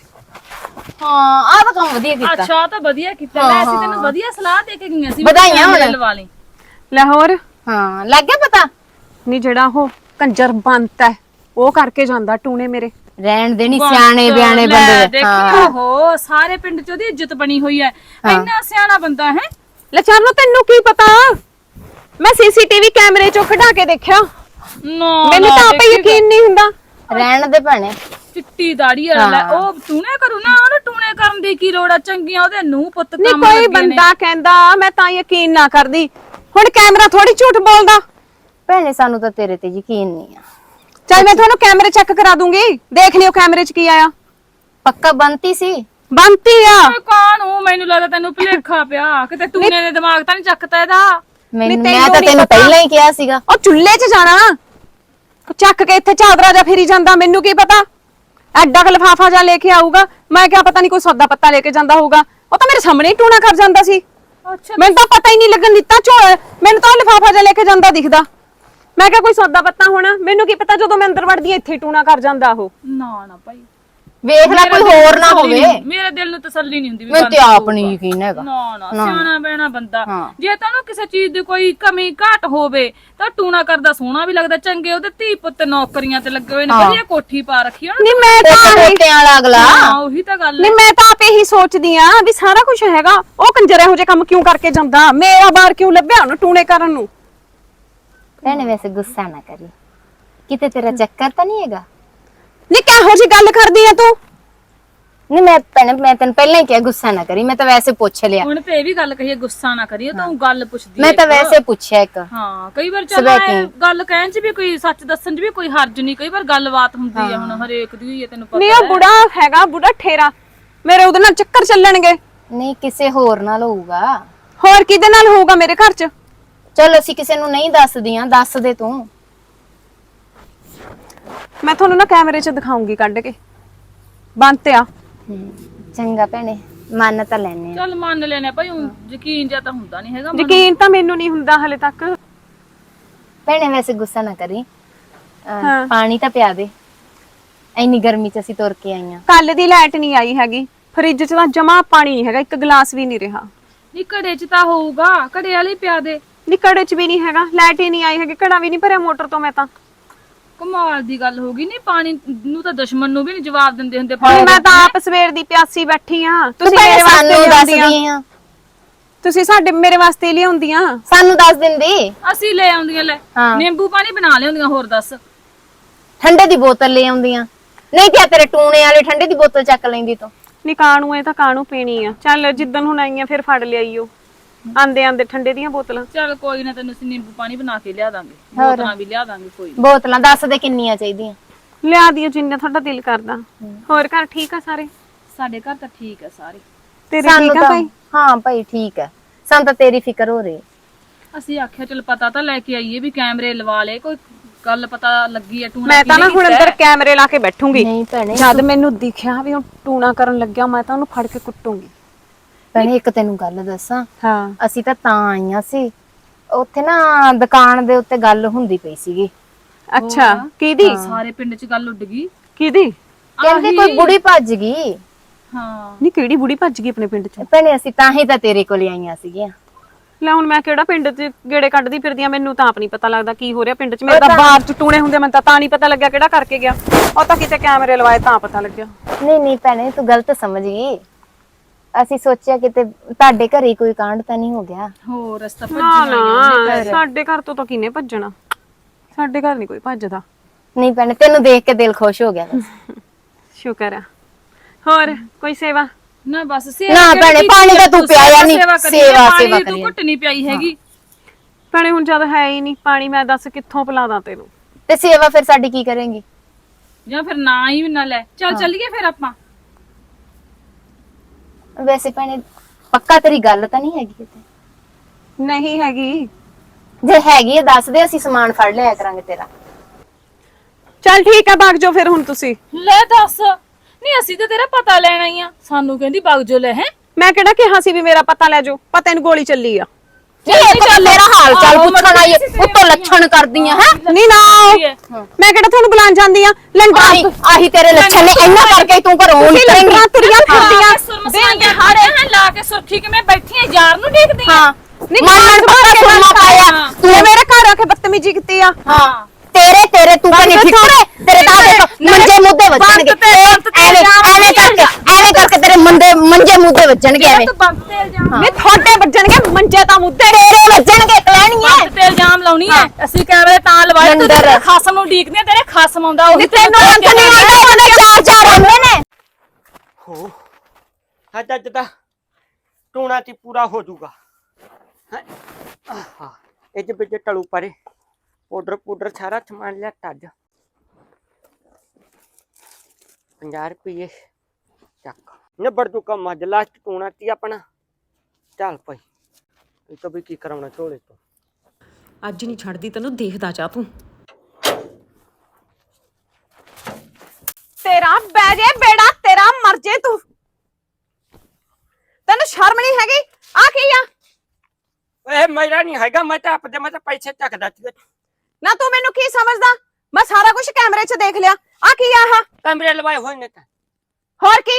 Speaker 3: ਹਾਂ ਆਹ ਤਾਂ ਕੰਮ ਵਧੀਆ ਕੀਤਾ।
Speaker 4: ਅੱਛਾ ਆਹ ਤਾਂ ਵਧੀਆ ਕੀਤਾ। ਮੈਂ ਅਸੀਂ ਤੈਨੂੰ ਵਧੀਆ ਸਲਾਹ ਦੇ ਕੇ ਗਈਆਂ ਸੀ ਵੀ
Speaker 3: ਵਧਾਈਆਂ
Speaker 4: ਕੈਮਰੇ
Speaker 3: ਹੋਣ।
Speaker 4: ਲਵਾ ਲਈ।
Speaker 1: ਲੈ ਹੋਰ
Speaker 3: ਹਾਂ ਲੱਗ ਗਿਆ ਪਤਾ?
Speaker 1: ਨਹੀਂ ਜਿਹੜਾ ਉਹ ਕੰਜਰ ਬੰਤ ਹੈ ਉਹ ਕਰਕੇ ਜਾਂਦਾ ਟੂਣੇ ਮੇਰੇ।
Speaker 3: ਰਹਿਣ ਦੇਣੀ ਸਿਆਣੇ ਬਿਆਣੇ ਬੰਦੇ।
Speaker 4: ਦੇਖੀ ਓਹੋ ਸਾਰੇ ਪਿੰਡ ਚ ਉਹਦੀ ਇੱਜ਼ਤ ਬਣੀ ਹੋਈ ਹੈ। ਇੰਨਾ ਸਿਆਣਾ ਬੰਦਾ ਹੈ।
Speaker 1: ਲੈ ਚਾਰਨੋ ਤੈਨੂੰ ਕੀ ਪਤਾ? ਮੈਂ ਸੀਸੀਟੀਵੀ ਕੈਮਰੇ ਚੋਂ ਕਢਾ ਕੇ ਦੇਖਿਆ,
Speaker 4: ਨਾ
Speaker 1: ਮੈਨੂੰ ਤਾਂ ਆਪੇ ਯਕੀਨ ਨਹੀਂ ਹੁੰਦਾ।
Speaker 3: ਰਹਿਣ ਦੇ ਭੈਣੇ।
Speaker 4: ਚਿੱਟੀ ਦਾੜੀ ਵਾਲਾ ਉਹ ਟੂਣੇ ਕਰੂ ਨਾ, ਉਹਨੂੰ ਟੂਣੇ ਕਰਨ ਦੀ ਕੀ ਲੋੜ ਆ? ਚੰਗੀਆਂ ਉਹਦੇ ਨੂੰ ਪੁੱਤ
Speaker 1: ਨਹੀਂ
Speaker 4: ਕੰਮ
Speaker 1: ਕੋਈ
Speaker 4: ਲੱਗੇ ਨੇ।
Speaker 1: ਬੰਦਾ ਕਹਿੰਦਾ ਮੈਂ ਤਾਂ ਯਕੀਨ ਨਾ ਕਰਦੀ। ਹੁਣ ਕੈਮਰਾ ਥੋੜੀ ਝੂਠ ਬੋਲਦਾ।
Speaker 3: ਭੈਣੇ ਸਾਨੂੰ ਤਾਂ ਤੇਰੇ ਤੇ ਯਕੀਨ ਨਹੀਂ ਆ।
Speaker 1: ਚੱਲ ਮੈਂ ਤੁਹਾਨੂੰ ਕੈਮਰੇ ਚੈੱਕ ਕਰਾ ਦੂੰਗੀ, ਦੇਖ ਲਿਓ ਕੈਮਰੇ 'ਚ ਕੀ ਆਇਆ।
Speaker 3: ਪੱਕਾ ਬੰਤੀ ਸੀ?
Speaker 1: ਬੰਤੀ ਆ।
Speaker 4: ਓਏ ਕਾਹਨੂੰ? ਮੈਨੂੰ ਲੱਗਦਾ ਤੈਨੂੰ ਭੁਲੇਖਾ ਪਿਆ, ਕਿਤੇ ਟੂਣੇ ਦੇ ਦਿਮਾਗ ਤਾਂ ਨਹੀਂ ਚੱਕਦਾ ਇਹਦਾ।
Speaker 3: ਮੈਨੂੰ
Speaker 1: ਤੈਨੂੰ
Speaker 3: ਮੈਂ ਤਾਂ
Speaker 1: ਨੀ
Speaker 3: ਤੈਨੂੰ
Speaker 1: ਪਤਾ।
Speaker 3: ਪਹਿਲਾਂ ਹੀ ਕਿਹਾ ਸੀਗਾ।
Speaker 1: ਉਹ ਚੁੱਲ੍ਹੇ 'ਚ ਜਾਣਾ ਚੱਕ ਕੇ ਇੱਥੇ ਚਾਦਰਾ ਜਾ ਫੇਰੀ ਜਾਂਦਾ। ਮੈਨੂੰ ਕੀ ਪਤਾ ਐਡਾ ਕ ਲਿਫਾਫਾ ਜਾ ਲੈ ਕੇ ਆਊਗਾ। ਮੈਂ ਕਿਹਾ ਪਤਾ ਨਹੀਂ ਕੋਈ ਸੌਦਾ ਪੱਤਾ ਲੈ ਕੇ ਜਾਂਦਾ ਹੋਊਗਾ। ਉਹ ਤਾਂ ਮੇਰੇ ਸਾਹਮਣੇ ਹੀ ਟੂਣਾ ਕਰ ਜਾਂਦਾ ਸੀ।
Speaker 4: ਅੱਛਾ
Speaker 1: ਮੈਨੂੰ ਤਾਂ ਪਤਾ ਹੀ ਨਹੀਂ ਲੱਗਣ ਦਿੱਤਾ। ਝੋਲ ਮੈਨੂੰ ਤਾਂ ਲਿਫਾਫਾ ਜਾ ਲੈ ਕੇ ਜਾਂਦਾ ਦਿਖਦਾ। ਮੈਂ ਕਿਹਾ ਕੋਈ ਸੌਦਾ ਪੱਤਾ ਹੋਣਾ। ਮੈਨੂੰ ਕੀ ਪਤਾ ਜਦੋਂ ਮੈਂ ਅੰਦਰ ਵੜਦੀ ਇੱਥੇ ਹੀ ਟੂਣਾ ਕਰ ਜਾਂਦਾ ਉਹ।
Speaker 4: ਨਾ ਨਾ ਭਾਈ
Speaker 3: ਵੇਖ ਲੈ ਕੋਈ ਹੋਰ ਨਾ ਹੋਵੇ।
Speaker 4: ਮੇਰੇ ਦਿਲ ਨੂੰ ਤਸੱਲੀ ਨਹੀਂ ਹੁੰਦੀ ਵੀ
Speaker 3: ਮੈਨੂੰ ਤੇ ਆਪ ਨਹੀਂ ਯਕੀਨ ਹੈਗਾ।
Speaker 4: ਨਾ ਨਾ ਸਿਆਣਾ ਬਹਿਣਾ ਬੰਦਾ।
Speaker 3: ਹਾਂ।
Speaker 4: ਜੇ ਤੈਨੂੰ ਕਿਸੇ ਚੀਜ਼ ਦੀ ਕੋਈ ਕਮੀ ਘਾਟ ਹੋਵੇ ਤਾਂ ਟੂਣਾ ਕਰਦਾ ਸੋਹਣਾ ਵੀ ਲੱਗਦਾ। ਚੰਗੇ ਉਹਦੇ ਧੀ ਪੁੱਤ ਨੌਕਰੀਆਂ ਤੇ ਲੱਗੇ ਹੋਏ ਨੇ, ਵਧੀਆ ਕੋਠੀ ਪਾ ਰੱਖੀ ਉਹਨੇ।
Speaker 1: ਨਹੀਂ ਮੈਂ ਤਾਂ
Speaker 3: ਪੋਤਿਆਂ ਵਾਲਾ ਅਗਲਾ।
Speaker 4: ਹਾਂ ਉਹੀ ਤਾਂ ਗੱਲ
Speaker 1: ਨਹੀਂ
Speaker 4: ਹੈ।
Speaker 1: ਮੈਂ ਤਾਂ ਆਪ ਇਹੀ ਸੋਚਦੀ ਆ ਵੀ ਸਾਰਾ ਕੁਝ ਹੈਗਾ। ਉਹ ਕੰਜਰ ਇਹੋ ਜਿਹੇ ਕੰਮ ਕਿਉਂ ਕਰਕੇ ਜਾਂਦਾ? ਮੇਰਾ ਬਾਰ ਕਿਉਂ ਲੱਭਿਆ ਉਹਨੂੰ ਟੂਣੇ ਕਰਨ ਨੂੰ?
Speaker 3: ਭੈਣੇ ਵੈਸੇ ਗੁੱਸਾ ਨਾ ਕਰੀ, ਕਿਤੇ ਤੇਰਾ ਚੱਕਰ ਤਾਂ ਨਹੀਂ ਹੈਗਾ?
Speaker 1: ਨਹੀਂ ਕਿਹੋ ਜਿਹੀ ਗੱਲ ਕਰਦੀ ਆ ਤੂੰ?
Speaker 3: ਨਹੀਂ ਮੈਂ ਭੈਣੇ ਮੈਂ ਤੈਨੂੰ ਪਹਿਲਾਂ ਹੀ ਕਿਹਾ ਗੁੱਸਾ ਨਾ ਕਰੀ। ਮੈਂ ਤਾਂ ਵੈਸੇ ਪੁੱਛ ਲਿਆ।
Speaker 4: ਹੁਣ ਤੇ ਇਹ ਵੀ ਗੱਲ ਕਹੀਏ ਗੁੱਸਾ ਨਾ ਕਰੀ, ਉਹ ਤਾਂ ਊਂ ਗੱਲ ਪੁੱਛਦੀ
Speaker 3: ਮੈਂ
Speaker 4: ਹੈ
Speaker 3: ਤਾਂ
Speaker 4: ਇੱਕ।
Speaker 3: ਵੈਸੇ ਪੁੱਛਿਆ ਇੱਕ।
Speaker 4: ਹਾਂ ਕਈ ਵਾਰ ਚੱਲ
Speaker 3: ਸਵੈ
Speaker 4: ਐਂ ਗੱਲ ਕਹਿਣ ਚ ਵੀ ਕੋਈ ਸੱਚ ਦੱਸਣ ਚ ਵੀ ਕੋਈ ਹਰਜ ਨਹੀਂ। ਕਈ ਵਾਰ ਗੱਲਬਾਤ ਹੁੰਦੀ ਹੈ, ਹੁਣ ਹਰੇਕ ਦੀ ਹੋਈ ਹੈ ਤੈਨੂੰ
Speaker 1: ਨਹੀਂ
Speaker 4: ਪਤਾ
Speaker 1: ਉਹ ਬੁੜਾ ਹੈਗਾ, ਬੁੜਾ ਠੇਰਾ। ਮੇਰੇ ਉਹਦੇ ਨਾਲ ਚੱਕਰ ਚੱਲਣਗੇ।
Speaker 3: ਨਹੀਂ ਕਿਸੇ ਹੋਰ ਨਾਲ ਹੋਊਗਾ।
Speaker 1: ਹੋਰ ਕਿਹਦੇ ਨਾਲ ਹੋਊਗਾ ਮੇਰੇ ਘਰ 'ਚ?
Speaker 3: ਚਲ ਅਸੀਂ ਕਿਸੇ ਨੂੰ ਨਹੀਂ ਦੱਸਦੀਆਂ, ਦੱਸ ਦੇ ਤੂੰ।
Speaker 1: ਮੈਂ ਤੁਹਾਨੂੰ ਨਾ ਕੈਮਰੇ 'ਚ ਦਿਖਾਉਂਗੀ ਕੱਢ ਕੇ। ਬੰਦ ਆ।
Speaker 3: ਚੰਗਾ ਭੈਣੇ ਮੰਨ ਤਾਂ ਲੈਨੇ ਆ।
Speaker 4: ਚੱਲ ਮੰਨ ਲੈਨੇ ਭਾਈ, ਊਂ ਯਕੀਨ ਜਾਂ ਤਾਂ ਹੁੰਦਾ ਨਹੀਂ ਹੈਗਾ।
Speaker 1: ਯਕੀਨ ਤਾਂ ਮੈਨੂੰ ਨਹੀਂ ਹੁੰਦਾ ਹਲੇ ਤੱਕ।
Speaker 3: ਭੈਣੇ ਵੈਸੇ ਗੁੱਸਾ ਨਾ ਕਰੀ। ਅਹ,
Speaker 1: ਹਾਂ।
Speaker 3: ਪਾਣੀ ਤਾਂ ਪਿਆ ਦੇ। ਇੰਨੀ ਗਰਮੀ ਚ ਅਸੀਂ ਤੁਰ ਕੇ ਆਈਆਂ।
Speaker 1: ਕੱਲ ਦੀ ਲਾਈਟ ਨਹੀਂ ਆਈ ਹੈਗੀ। ਫ੍ਰਿਜ 'ਚ ਤਾਂ ਜਮਾ ਪਾਣੀ ਨਹੀਂ ਹੈਗਾ, ਇੱਕ ਗਲਾਸ ਵੀ ਨਹੀਂ ਰਿਹਾ।
Speaker 4: ਨਹੀਂ ਘੜੇ ਚ ਤਾਂ ਹੋਊਗਾ, ਘੜੇ ਵਾਲੇ ਪਿਆ ਦੇ।
Speaker 1: ਨੀ ਘੜੇ 'ਚ ਵੀ ਨਹੀਂ ਹੈਗਾ, ਲਾਈਟ ਹੀ ਨਹੀਂ ਆਈ ਹੈਗੀ। ਘੜਾ ਵੀ ਨਹੀਂ ਭਰਿਆ ਮੋਟਰ ਤੋਂ ਮੈਂ ਤਾਂ।
Speaker 4: ਕਮਾਲ ਦੀ ਗੱਲ ਹੋ ਗਈ। ਨਹੀਂ ਪਾਣੀ ਨੂੰ ਤਾਂ ਦੁਸ਼ਮਣ ਨੂੰ ਵੀ ਨਹੀਂ ਜਵਾਬ ਦਿੰਦੇ ਹੁੰਦੇ।
Speaker 1: ਹੁਣ ਮੈਂ ਤਾਂ ਆਪ ਸਵੇਰ ਦੀ ਪਿਆਸੀ ਬੈਠੀ ਆ। ਤੁਸੀਂ ਮੇਰੇ ਵਾਸਤੇ
Speaker 3: ਸਾਨੂੰ
Speaker 1: ਲਿਆਉਂਦੀਆਂ।
Speaker 3: ਦੱਸਦੀ ਆ।
Speaker 1: ਤੁਸੀਂ ਸਾਡੇ ਮੇਰੇ ਵਾਸਤੇ ਲਿਆਉਂਦੀਆਂ।
Speaker 3: ਸਾਨੂੰ ਦੱਸ ਦਿੰਦੀ।
Speaker 4: ਅਸੀਂ ਲੈ ਆਉਂਦੀਆਂ ਲੈ
Speaker 3: ਹਾਂ।
Speaker 4: ਨਿੰਬੂ ਪਾਣੀ ਬਣਾ ਲਿਆਉਂਦੀਆਂ। ਹੋਰ ਦੱਸ।
Speaker 3: ਠੰਡੇ ਦੀ ਬੋਤਲ ਲੈ ਆਉਂਦੀਆਂ। ਨਹੀਂ ਤੇ ਤੇਰੇ ਟੂਣੇ ਵਾਲੇ ਠੰਡੇ ਦੀ ਬੋਤਲ ਚੱਕ ਲੈਂਦੀ ਤੂੰ।
Speaker 1: ਨੀ ਕਾਣੂ ਇਹ ਤਾਂ ਕਾਣੂ ਪੀਣੀ ਆ। ਚੱਲ ਜਿੱਦਣ ਹੁਣ ਆਈਆਂ ਫਿਰ ਫੜ ਲਿਆਈਓ। ਆਂਦੇ ਆਂਦੇ ਠੰਡੇ ਦੀਆਂ ਬੋਤਲਾਂ।
Speaker 4: ਚੱਲ ਕੋਈ ਨਾ, ਤੈਨੂੰ ਅਸੀਂ ਨਿੰਬੂ ਪਾਣੀ ਬਣਾ ਕੇ ਲਿਆ ਦਾਂਗੇ, ਬੋਤਲਾਂ ਵੀ ਲਿਆ ਦਾਂਗੇ। ਕੋਈ ਨੀ।
Speaker 3: ਬੋਤਲਾਂ ਦੱਸ ਦੇ ਕਿੰਨੀਆਂ ਚਾਹੀਦੀਆਂ।
Speaker 1: ਲਿਆ ਦਿਓ ਜਿੰਨਾ ਤੁਹਾਡਾ ਦਿਲ ਕਰਦਾ। ਹੋਰ ਘਰ ਠੀਕ ਆ ਸਾਰੇ?
Speaker 4: ਸਾਡੇ ਘਰ ਤਾਂ ਠੀਕ ਹੈ ਸਾਰੇ।
Speaker 1: ਤੇਰੇ
Speaker 3: ਸਾਨੂੰ
Speaker 1: ਠੀਕ ਆ
Speaker 3: ਤਾਂ
Speaker 1: ਭਾਈ?
Speaker 3: ਹਾਂ ਭਾਈ ਠੀਕ ਹੈ। ਸਾਨੂੰ ਤਾਂ ਤੇਰੀ ਫਿਕਰ ਹੋ ਰਹੀ।
Speaker 4: ਅਸੀਂ ਆਖਿਆ ਚਲ ਪਤਾ ਤਾਂ ਲੈ ਕੇ ਆਈਏ ਵੀ ਕੈਮਰੇ ਲਵਾ ਲੈ, ਕੋਈ ਗੱਲ ਪਤਾ ਲੱਗੀ ਹੈ। ਟੂਣਾ
Speaker 1: ਮੈਂ ਤਾਂ ਨਾ ਹੁਣ ਅੰਦਰ ਕੈਮਰੇ ਲਾ ਕੇ ਬੈਠੂੰਗੀ।
Speaker 3: ਨਹੀਂ ਭੈਣੇ
Speaker 1: ਜਦ ਮੈਨੂੰ ਦਿਖਿਆ ਵੀ ਉਹ ਟੂਣਾ ਕਰਨ ਲੱਗਿਆ ਮੈਂ ਤਾਂ ਉਹਨੂੰ ਫੜ ਕੇ ਕੁੱਟੂੰਗੀ।
Speaker 3: ਭੈਣੇ ਇੱਕ ਤੈਨੂੰ ਗੱਲ ਦੱਸਾਂ।
Speaker 1: ਹਾਂ।
Speaker 3: ਅਸੀਂ ਤਾਂ ਤਾਂ ਆਈਆਂ ਸੀ, ਉੱਥੇ ਨਾ ਦੁਕਾਨ ਦੇ ਉੱਤੇ ਗੱਲ ਹੁੰਦੀ ਪਈ ਸੀਗੀ।
Speaker 1: ਅੱਛਾ ਕਿਹਦੀ?
Speaker 4: ਸਾਰੇ ਪਿੰਡ ਚ ਗੱਲ ਉੱਡ ਗਈ।
Speaker 1: ਕਿਹਦੀ?
Speaker 3: ਕਹਿੰਦੇ ਕੋਈ ਬੁੜੀ ਭੱਜ ਗਈ।
Speaker 4: ਹਾਂ
Speaker 1: ਨਹੀਂ ਕਿਹੜੀ ਬੁੜੀ ਭੱਜ ਗਈ ਆਪਣੇ ਪਿੰਡ 'ਚ?
Speaker 3: ਭੈਣੇ ਅਸੀਂ ਤਾਂ ਹੀ ਤਾਂ ਤੇਰੇ ਕੋਲ ਆਈਆਂ ਸੀਗੀਆਂ।
Speaker 1: ਲੈ ਹੁਣ ਮੈਂ ਕਿਹੜਾ ਪਿੰਡ 'ਚ ਗੇੜੇ ਕੱਢਦੀ ਫਿਰਦੀ ਆ? ਮੈਨੂੰ ਤਾਂ ਆਪ ਨਹੀਂ ਪਤਾ ਲੱਗਦਾ ਕੀ ਹੋ ਰਿਹਾ ਪਿੰਡ 'ਚ। ਮੇਰੇ ਤਾਂ ਬਾਹਰ 'ਚ ਟੂਣੇ ਹੁੰਦੇ, ਮੈਨੂੰ ਤਾਂ ਤਾਂ ਨਹੀਂ ਪਤਾ ਲੱਗਿਆ ਕਿਹੜਾ ਕਰਕੇ ਗਿਆ। ਉਹ ਤਾਂ ਕਿਤੇ ਕੈਮਰੇ ਲਵਾਏ ਤਾਂ ਪਤਾ ਲੱਗਿਆ।
Speaker 3: ਨਹੀਂ ਨਹੀਂ ਭੈਣੇ ਤੂੰ ਗਲਤ ਸਮਝ ਗਈ। ਅਸੀਂ ਸੋਚਿਆ ਕਿਤੇ ਤੁਹਾਡੇ ਘਰੇ ਕੋਈ ਕਾਂਡ ਤਾਂ ਨਹੀਂ ਹੋ ਗਿਆ।
Speaker 4: ਹੋਰ ਰਸਤਾ
Speaker 1: ਨਾ
Speaker 4: ਭੱਜਣਾ।
Speaker 1: ਨਾ ਸਾਡੇ ਘਰ ਤੋਂ ਤਾਂ ਕਿਹਨੇ ਭੱਜਣਾ? ਸਾਡੇ ਘਰ ਨਹੀਂ ਕੋਈ ਭੱਜਦਾ।
Speaker 3: ਨਹੀਂ ਭੈਣੇ ਤੈਨੂੰ ਦੇਖ ਕੇ ਦਿਲ ਖੁਸ਼ ਹੋ ਗਿਆ ਬਸ।
Speaker 1: ਸ਼ੁਕਰ ਆ। ਹੋਰ ਕੋਈ ਸੇਵਾ?
Speaker 4: ਨਾ ਬਸ
Speaker 3: ਨਾ ਭੈਣੇ, ਪਾਣੀ ਤਾਂ ਤੂੰ ਪਿਆਇਆ ਨੀ, ਸੇਵਾ ਸੇਵਾ
Speaker 4: ਪਾਣੀ
Speaker 3: ਕਰੀ
Speaker 4: ਤੂੰ ਘੁੱਟ ਨਹੀਂ ਪਿਆਈ ਹੈਗੀ।
Speaker 1: ਭੈਣੇ ਹੁਣ ਜਦ ਹੈ ਹੀ ਨਹੀਂ ਪਾਣੀ, ਮੈਂ ਦੱਸ ਕਿੱਥੋਂ ਪਿਲਾਦਾ ਤੈਨੂੰ।
Speaker 3: ਤੇ ਸੇਵਾ ਫਿਰ ਸਾਡੀ ਕੀ ਕਰੇਂਗੀ?
Speaker 4: ਜਾਂ ਫਿਰ ਨਾ ਹੀ ਨਾ ਲੈ, ਚੱਲ ਚੱਲੀਏ ਫਿਰ ਆਪਾਂ।
Speaker 3: ਵੈਸੇ ਭੈਣੇ ਪੱਕਾ ਤੇਰੀ ਗੱਲ ਤਾਂ ਨਹੀਂ ਹੈਗੀ ਕਿਤੇ?
Speaker 1: ਨਹੀਂ ਹੈਗੀ।
Speaker 3: ਜੇ ਹੈਗੀ ਹੈ ਦੱਸ ਦੇ, ਅਸੀਂ ਸਮਾਨ ਫੜ ਲਿਆ ਕਰਾਂਗੇ ਤੇਰਾ।
Speaker 1: ਚੱਲ ਠੀਕ ਹੈ, ਭਾਗ ਜਾਓ ਫਿਰ ਹੁਣ ਤੁਸੀਂ।
Speaker 4: ਲੈ ਦੱਸ, ਨਹੀਂ ਅਸੀਂ ਤਾਂ ਤੇਰਾ ਪਤਾ ਲੈਣਾ ਹੀ ਆ, ਸਾਨੂੰ ਕਹਿੰਦੀ ਵਗ ਜੋ ਲੈ। ਹੈ
Speaker 1: ਮੈਂ ਕਿਹੜਾ ਕਿਹਾ ਸੀ ਵੀ ਮੇਰਾ ਪਤਾ ਲੈ ਜਾਓ, ਪਤਾ ਇਹਨੂੰ ਗੋਲੀ ਚੱਲੀ ਆ।
Speaker 3: ਨਹੀਂ ਇਹ ਤਾਂ ਮੇਰਾ ਹਾਲ ਚਾਲ ਪੁੱਛਣ ਆਈ ਉੱਤੋਂ ਲੱਛਣ ਕਰਦੀਆਂ ਹੈ।
Speaker 1: ਨਹੀਂ ਨਾ ਮੈਂ ਕਿਹੜਾ ਤੁਹਾਨੂੰ ਬੁਲਾਣ ਜਾਂਦੀ ਆ। ਲੰਡਰਾਂ
Speaker 3: ਆਹੀ ਆਹੀ ਤੇਰੇ ਲੱਛਣ ਨੇ, ਇੰਨਾ ਕਰਕੇ ਤੂੰ ਘਰੋਂ ਨਿਕਲੇਂਗੀ।
Speaker 1: ਲੰਡਰਾਂ ਤੁਰੀਆਂ ਫਿਰਦੀਆਂ
Speaker 4: ਸੁਰਮਸਾਈਆਂ ਹਾਰੇ ਹਾਂ ਲਾ ਕੇ ਸੁਰਖੀ ਕਿਵੇਂ ਬੈਠੀ ਐ, ਯਾਰ ਨੂੰ ਦੇਖਦੀ ਆ।
Speaker 3: ਹਾਂ ਮਨ ਪੱਕਾ ਸੁਰਮਾ ਪਾਇਆ
Speaker 1: ਤੂੰ ਮੇਰੇ ਘਰ ਆ ਕੇ ਬਦਤਮੀਜੀ ਕੀਤੀ ਆ।
Speaker 3: ਹਾਂ ਤੇਰੇ ਤੇਰੇ ਤੂੰ ਕਹਿੰਦੀ ਠਿੱਕਰੇ ਤੇਰੇ ਤਾਂ ਦੇਖ ਮੰਜੇ ਮੁੱਦੇ ਵੱਜਣਗੇ ਐਵੇਂ ਐਵੇਂ ਕਰਕੇ ਐਵੇਂ ਕਰਕੇ ਤੇਰੇ ਮੰਦੇ ਮੰਜੇ ਮੁੱਦੇ ਵੱਜਣਗੇ ਐਵੇਂ।
Speaker 4: ਤੂੰ ਬੰਦ ਤੇ ਇਲਜ਼ਾਮ
Speaker 1: ਨਹੀਂ ਤੁਹਾਡੇ ਵੱਜਣਗੇ ਮੰਜੇ ਤਾਂ ਮੁੱਦੇ
Speaker 3: ਤੇਰੇ ਵੱਜਣਗੇ ਕਲੈਣੀਆਂ।
Speaker 4: ਬੰਦ ਤੇ ਇਲਜ਼ਾਮ ਲਾਉਣੀ ਐ। ਅਸੀਂ ਕੈਮਰੇ ਤਾਂ ਲਵਾਏ ਤੂੰ
Speaker 3: ਲੰਡਰ।
Speaker 4: ਤੇਰੇ ਖਾਸਮ ਨੂੰ ਡੀਕਦੀ ਆ, ਤੇਰੇ ਖਾਸਮ ਆਉਂਦਾ ਉਹ
Speaker 3: ਤੈਨੂੰ ਅੰਤ ਨਹੀਂ ਆਉਂਦਾ, ਉਹਨੇ ਚਾਰ ਚਾਰ ਆਉਂਦੇ ਨੇ।
Speaker 2: ਹੋ ਅੱਜ ਅੱਜ ਦਾ ਟੂਣਾ ਤੇ ਪੂਰਾ ਹੋ ਜਾਊਗਾ। ਹੈਂ? ਆਹਾ ਇਹ ਚ ਵਿੱਚ ਟਲੂ ਪਰੇ ਪਾਊਡਰ ਪਾਊਡਰ ਸਾਰਾ ਸਮਾਨ ਲਿਆ ਟੱਜ ਪੰਜਾਹ ਰੁਪਏ ਚੱਕ ਨਿਬੜ ਜੂ ਕੰਮ ਅੱਜ ਲਾਸਟ ਟੂਣਾ ਤੀ ਆਪਣਾ। ਚੱਲ ਭਾਈ ਇਹ ਤਾਂ ਵੀ ਕੀ ਕਰਾਉਣਾ ਝੋਲੇ ਤੋਂ।
Speaker 1: ਅੱਜ ਨਹੀਂ ਛੱਡਦੀ ਤੈਨੂੰ, ਦੇਖਦਾ ਜਾ ਤੂੰ। ਤੇਰਾ ਬਹਿ ਜੇ ਬੇੜਾ, ਤੇਰਾ ਮਰ ਜੇ ਤੂੰ। ਤੈਨੂੰ ਸ਼ਰਮ ਨਹੀਂ ਹੈਗੀ? ਆ ਕੀ ਆ?
Speaker 2: ਇਹ ਮੇਰਾ ਨਹੀਂ ਹੈਗਾ, ਮੈਂ ਤਾਂ ਆਪਦੇ ਮੈਂ ਤਾਂ ਪੈਸੇ ਚੱਕਦਾ ਸੀ।
Speaker 1: ਨਾ ਤੂੰ ਮੈਨੂੰ ਕੀ ਸਮਝਦਾ? ਮੈਂ ਸਾਰਾ ਕੁਝ ਕੈਮਰੇ 'ਚ ਦੇਖ ਲਿਆ। ਆ ਕੀ ਆ? ਆਹ
Speaker 2: ਕਮਰੇ ਲਵਾਏ ਹੋਏ ਨੇ ਤਾਂ
Speaker 1: ਹੋਰ ਕੀ?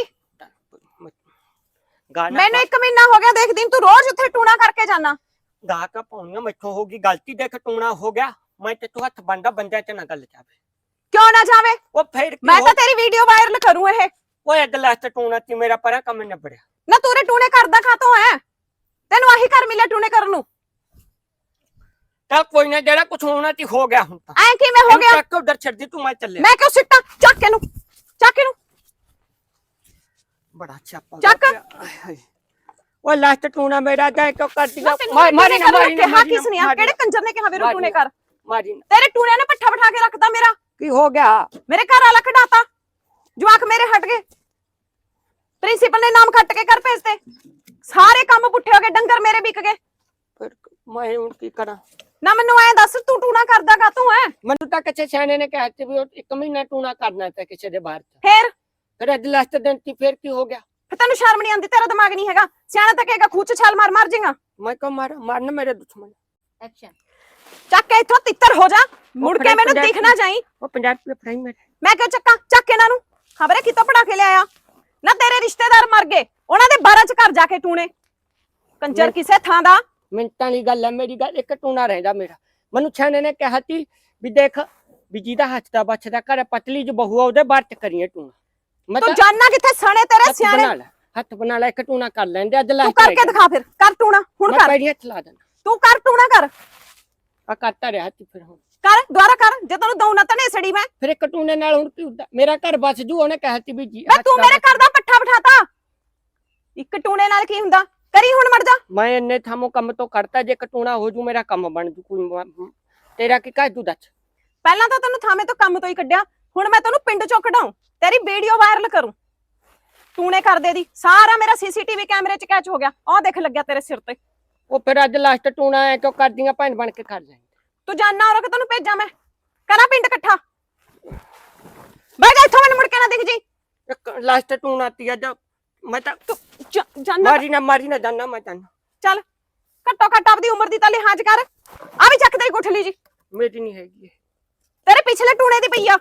Speaker 2: ਗਾਣਾ
Speaker 1: ਮੈਨੂੰ ਇੱਕ ਮਹੀਨਾ ਹੋ ਗਿਆ ਦੇਖਦੀ ਨੂੰ, ਤੂੰ ਰੋਜ਼ ਉੱਥੇ ਟੂਣਾ ਕਰਕੇ ਜਾਣਾ।
Speaker 2: ਗਾ ਕਾ ਪਾਉਣੀਆਂ ਮੈਥੋਂ ਹੋ ਗਈ ਗਲਤੀ, ਦੇਖ ਟੂਣਾ ਹੋ ਗਿਆ। ਮੈਂ ਤੇ ਤੂੰ ਹੱਥ ਬੰਦਾ ਬੰਦਿਆਂ ਤੇ ਨਾ ਗੱਲ ਜਾਵੇ।
Speaker 1: ਕਿਉਂ ਨਾ ਜਾਵੇ?
Speaker 2: ਉਹ ਫੇਰ ਕੀ
Speaker 1: ਮੈਂ
Speaker 2: ਹੋ-
Speaker 1: ਤਾਂ ਤੇਰੀ ਵੀਡੀਓ ਵਾਇਰਲ ਕਰੂੰ ਇਹ।
Speaker 2: ਓਏ ਅਗਲਾ ਤੇ ਟੂਣਾ ਤੀ ਮੇਰਾ ਪਰਾ ਕੰਮ ਨਿਬੜਿਆ।
Speaker 1: ਨਾ ਤੂੰ ਰੇ ਟੂਣੇ ਕਰਦਾ ਖਾਤੋਂ ਹੈ? ਤੈਨੂੰ ਆਹੀ ਕਰ ਮਿਲਿਆ ਟੂਣੇ ਕਰਨ ਨੂੰ?
Speaker 2: ਚੱਲ ਕੋਈ ਨਾ, ਜਿਹੜਾ ਕੁਝ ਹੋਣਾ ਤੀ ਹੋ ਗਿਆ ਹੁਣ ਤਾਂ।
Speaker 1: ਐ ਕਿਵੇਂ ਹੋ ਗਿਆ?
Speaker 2: ਚੱਕ ਉਧਰ ਛੱਡ ਦੀ ਤੂੰ, ਮੈਂ ਚੱਲਿਆ।
Speaker 1: ਮੈਂ ਕਿਉਂ ਸਿੱਟਾਂ? ਚੱਕ ਇਹਨੂੰ, ਚੱਕ ਇਹਨੂੰ,
Speaker 2: ਬੜਾ ਛਾਪਾ
Speaker 1: ਚੱਕ।
Speaker 2: ਓਏ ਲਾਸਟ ਟੂਣਾ ਮੇਰਾ ਜਾ ਕਿਉਂ ਕਰਦੀ
Speaker 1: ਨਾ
Speaker 2: ਆ?
Speaker 1: ਤੈਨੂੰ
Speaker 2: ਮਾਰੀ
Speaker 1: ਮਾਰੀ
Speaker 2: ਨਾ ਮਾਰੀ ਨਾ
Speaker 1: ਕਿਹਾ ਕਿਸ ਨੇ ਆ? ਕਿਹੜੇ ਕੰਜਰ ਨੇ ਕਿਹਾ ਵੀਰੋ ਟੂਣੇ ਕਰ?
Speaker 2: ਮਾਰੀ ਨਾ।
Speaker 1: ਤੇਰੇ ਟੂਣੇ ਨੇ ਪੱਠਾ ਬਿਠਾ ਕੇ ਰੱਖਦਾ ਮੇਰਾ।
Speaker 2: ਕੀ ਹੋ ਗਿਆ?
Speaker 1: ਮੇਰੇ ਘਰ ਵਾਲਾ ਖਡਾਤਾ, ਜਵਾਕ ਮੇਰੇ ਹਟ ਗਏ, ਪ੍ਰਿੰਸੀਪਲ ਨੇ ਨਾਮ ਖੱਟ ਕੇ ਘਰ ਭੇਜਤੇ, ਸਾਰੇ ਕੰਮ ਪੁੱਠੇ ਹੋ ਗਏ, ਡੰਗਰ ਮੇਰੇ ਵਿਕ ਗਏ।
Speaker 2: ਫਿਰ ਮੈਂ ਹੁਣ ਕੀ ਕਰਾਂ?
Speaker 1: ਨਾ ਮੈਨੂੰ ਐ ਦੱਸ ਤੂੰ ਟੂਣਾ ਕਰਦਾ ਕਾ ਤੂੰ ਹੈ?
Speaker 2: ਮੈਨੂੰ ਤਾਂ ਕਿਸੇ ਸਿਆਣੇ ਨੇ ਕਿਹਾ ਸੀ ਵੀ ਉਹ ਇੱਕ ਮਹੀਨਾ ਟੂਣਾ ਕਰਨਾ ਤੇ ਕਿਸੇ ਦੇ ਬਾਹਰ ਚ।
Speaker 1: ਫੇਰ
Speaker 2: ਫਿਰ ਅੱਜ ਲਾਸਟ ਦਿਨ ਤੀ ਫਿਰ ਕੀ ਹੋ ਗਿਆ?
Speaker 1: ਫਿਰ ਤੈਨੂੰ ਸ਼ਰਮ ਨਹੀਂ ਆਉਂਦੀ? ਤੇਰਾ ਦਿਮਾਗ ਨਹੀਂ ਹੈਗਾ? ਸਿਆਣਾ ਤਾਂ ਕਹੇਗਾ ਖੂਚ ਛਾਲ ਮਾਰ ਮਾਰ ਜਾਏਗਾ।
Speaker 2: ਮੈਂ ਕੋ ਮਾਰ ਮਾਰਨ ਮੇਰੇ ਦੁਸ਼ਮਣ।
Speaker 3: ਐਕਸ਼ਨ।
Speaker 1: ਚੱਕ ਕੇ ਇੱਥੋਂ ਤਿੱਤਰ ਹੋ ਜਾ, ਮੁੜ ਕੇ
Speaker 2: ਫੜਾਈ
Speaker 1: ਮੈਨੂੰ
Speaker 2: ਪੰਜਾਹ
Speaker 1: ਦਿਖਣਾ ਜਾਈ।
Speaker 2: ਉਹ ਪੰਜਾਹ ਰੁਪਏ ਫੜਾਈ ਮੇਰੇ।
Speaker 1: ਮੈਂ ਕਿਉਂ ਚੱਕਾਂ? ਚੱਕ ਇਹਨਾਂ ਨੂੰ, ਖਬਰੇ ਕਿਤੋਂ ਪੜਾ ਕੇ ਲਿਆਇਆ। ਨਾ ਤੇਰੇ ਰਿਸ਼ਤੇਦਾਰ ਮਰ ਗਏ, ਉਹਨਾਂ ਦੇ ਬਾਰਾਂ ਚ ਘਰ ਜਾ ਕੇ ਟੂਣੇ। ਕੰਜਰ ਕਿਸੇ ਥਾਂ ਦਾ।
Speaker 2: ਮਿੰਟਾਂ ਦੀ ਗੱਲ ਹੈ ਮੇਰੀ ਗੱਲ, ਇੱਕ ਟੂਣਾ ਰਹਿੰਦਾ ਮੇਰਾ। ਮੈਨੂੰ ਛਾਣੇ ਨੇ ਕਿਹਾ ਸੀ ਵੀ ਦੇਖ ਵੀ ਜਿਹਦਾ ਹੱਥ ਦਾ ਬੱਚਦਾ ਘਰ ਪਤਲੀ ਜੋ ਬਹੂ ਆ ਉਹਦੇ ਬਾਹਰ ਚ ਕਰੀਏ ਟੂਣਾ। ਮੈਂ
Speaker 1: ਤੂੰ ਜਾਨਣਾ ਕਿੱਥੇ ਸਣੇ ਤੇਰੇ
Speaker 2: ਹੱਥ
Speaker 1: ਸਿਆਣੇ?
Speaker 2: ਬਣਾ ਲੈ, ਹੱਥ ਬਣਾ ਲੈ, ਇੱਕ ਟੂਣਾ ਕਰ ਲੈਂਦੇ ਅੱਜ
Speaker 1: ਤੂੰ
Speaker 2: ਲਾਸਟ।
Speaker 1: ਕਰਕੇ ਦਿਖਾ, ਫਿਰ ਕਰ ਟੂਣਾ ਹੁਣ
Speaker 2: ਮੈਂ
Speaker 1: ਕਰ।
Speaker 2: ਪੈਰੀ ਹੱਥ ਲਾ ਦੇਣਾ।
Speaker 1: ਤੂੰ ਕਰ ਟੂਣਾ ਕਰ,
Speaker 2: ਆ ਕਰਤਾ ਰਿਹਾ ਤੀ ਫਿਰ ਹੁਣ।
Speaker 1: ਕਰ ਦੁਬਾਰਾ ਕਰ। ਜੇ ਤੈਨੂੰ ਦਊ ਨਾ ਤਨੇ ਸੜੀ ਮੈਂ
Speaker 2: ਫਿਰ ਇੱਕ ਟੂਣੇ ਨਾਲ ਹੁਣ ਕੀ ਹੁੰਦਾ? ਮੇਰਾ ਘਰ ਬਸ ਜੂ, ਉਹਨੇ ਕਿਹਾ ਸੀ ਵੀ ਜੀ
Speaker 1: ਮੈਂ
Speaker 2: ਹੱਥ
Speaker 1: ਤੂੰ
Speaker 2: ਦਾ
Speaker 1: ਮੇਰੇ ਘਰ ਦਾ ਪੱਠਾ ਬਿਠਾਤਾ। ਇੱਕ ਟੂਣੇ ਨਾਲ ਕੀ ਹੁੰਦਾ? ਕਰੀ ਹੁਣ ਮਰ ਜਾ।
Speaker 2: ਮੈਂ ਇੰਨੇ ਥਾਮੋ ਕੰਮ ਤੋਂ ਕਰਤਾ, ਜੇ ਕਟੂਣਾ ਹੋ ਜੂ ਮੇਰਾ ਕੰਮ ਬਣ ਜੂ। ਕੋਈ ਮ- ਤੇਰਾ ਕੀ ਕਹਿ ਤੂੰ ਦੱਸ?
Speaker 1: ਪਹਿਲਾਂ ਤਾਂ ਤੈਨੂੰ ਥਾਵੇਂ ਤੋਂ ਕੰਮ ਤੋਂ ਹੀ ਕੱਢਿਆ, ਹੁਣ ਮੈਂ ਤੈਨੂੰ ਪਿੰਡ ਚੋਂ ਕਢਾਉਂ, ਤੇਰੀ ਵੀਡੀਓ ਵਾਇਰਲ ਕਰੂੰ। ਟੂਣੇ ਕਰਦੇ ਦੀ ਸਾਰਾ ਮੇਰਾ ਸੀਸੀਟੀਵੀ ਕੈਮਰੇ 'ਚ ਕੈਚ ਹੋ ਗਿਆ। ਆਹ ਦੇਖ ਲੱਗਿਆ ਤੇਰੇ ਸਿਰ ਤੇ।
Speaker 2: ਉਹ ਫਿਰ ਅੱਜ ਲਾਸਟ ਟੂਣਾ ਐ ਕਿਉਂ ਕਰਦੀਆਂ? ਭੈਣ ਬਣ ਕੇ ਕਰ ਲੈ।
Speaker 1: ਤੂੰ ਜਾਨਣਾ ਔਰ ਕਿ ਤੈਨੂੰ ਭੇਜਾਂ ਮੈਂ? ਕਰਾਂ ਪਿੰਡ ਇਕੱਠਾ? ਬਹਿ ਜਾ ਇੱਥੋਂ, ਮੈਨੂੰ ਮੁੜ ਕੇ ਨਾ ਦਿਖ ਜੀ।
Speaker 2: ਇੱਕ ਲਾਸਟ ਟੂਣਾ ਤੀ ਅੱਜ। ਮੈਂ ਤਾਂ
Speaker 1: ਜਾ- ਜਾਨਣਾ
Speaker 2: ਮਾਰੀ ਨਾ ਮਾਰੀ ਨਾ ਜਾਨਾ ਮੈਂ ਜਾਨਾ।
Speaker 1: ਚੱਲ, ਘੱਟੋ ਘੱਟ ਆਪਦੀ ਉਮਰ ਦੀ ਤਾਂ ਲਿਹਾਜ਼ ਕਰ। ਆ ਵੀ ਚੱਕ ਦੇ ਗੁੱਠਲੀ ਜੀ,
Speaker 2: ਮੇਰੀ ਨਹੀਂ ਹੈਗੀ।
Speaker 1: ਤੇਰੇ ਪਿਛਲੇ ਟੂਣੇ ਦੀ ਪਈ ਆ।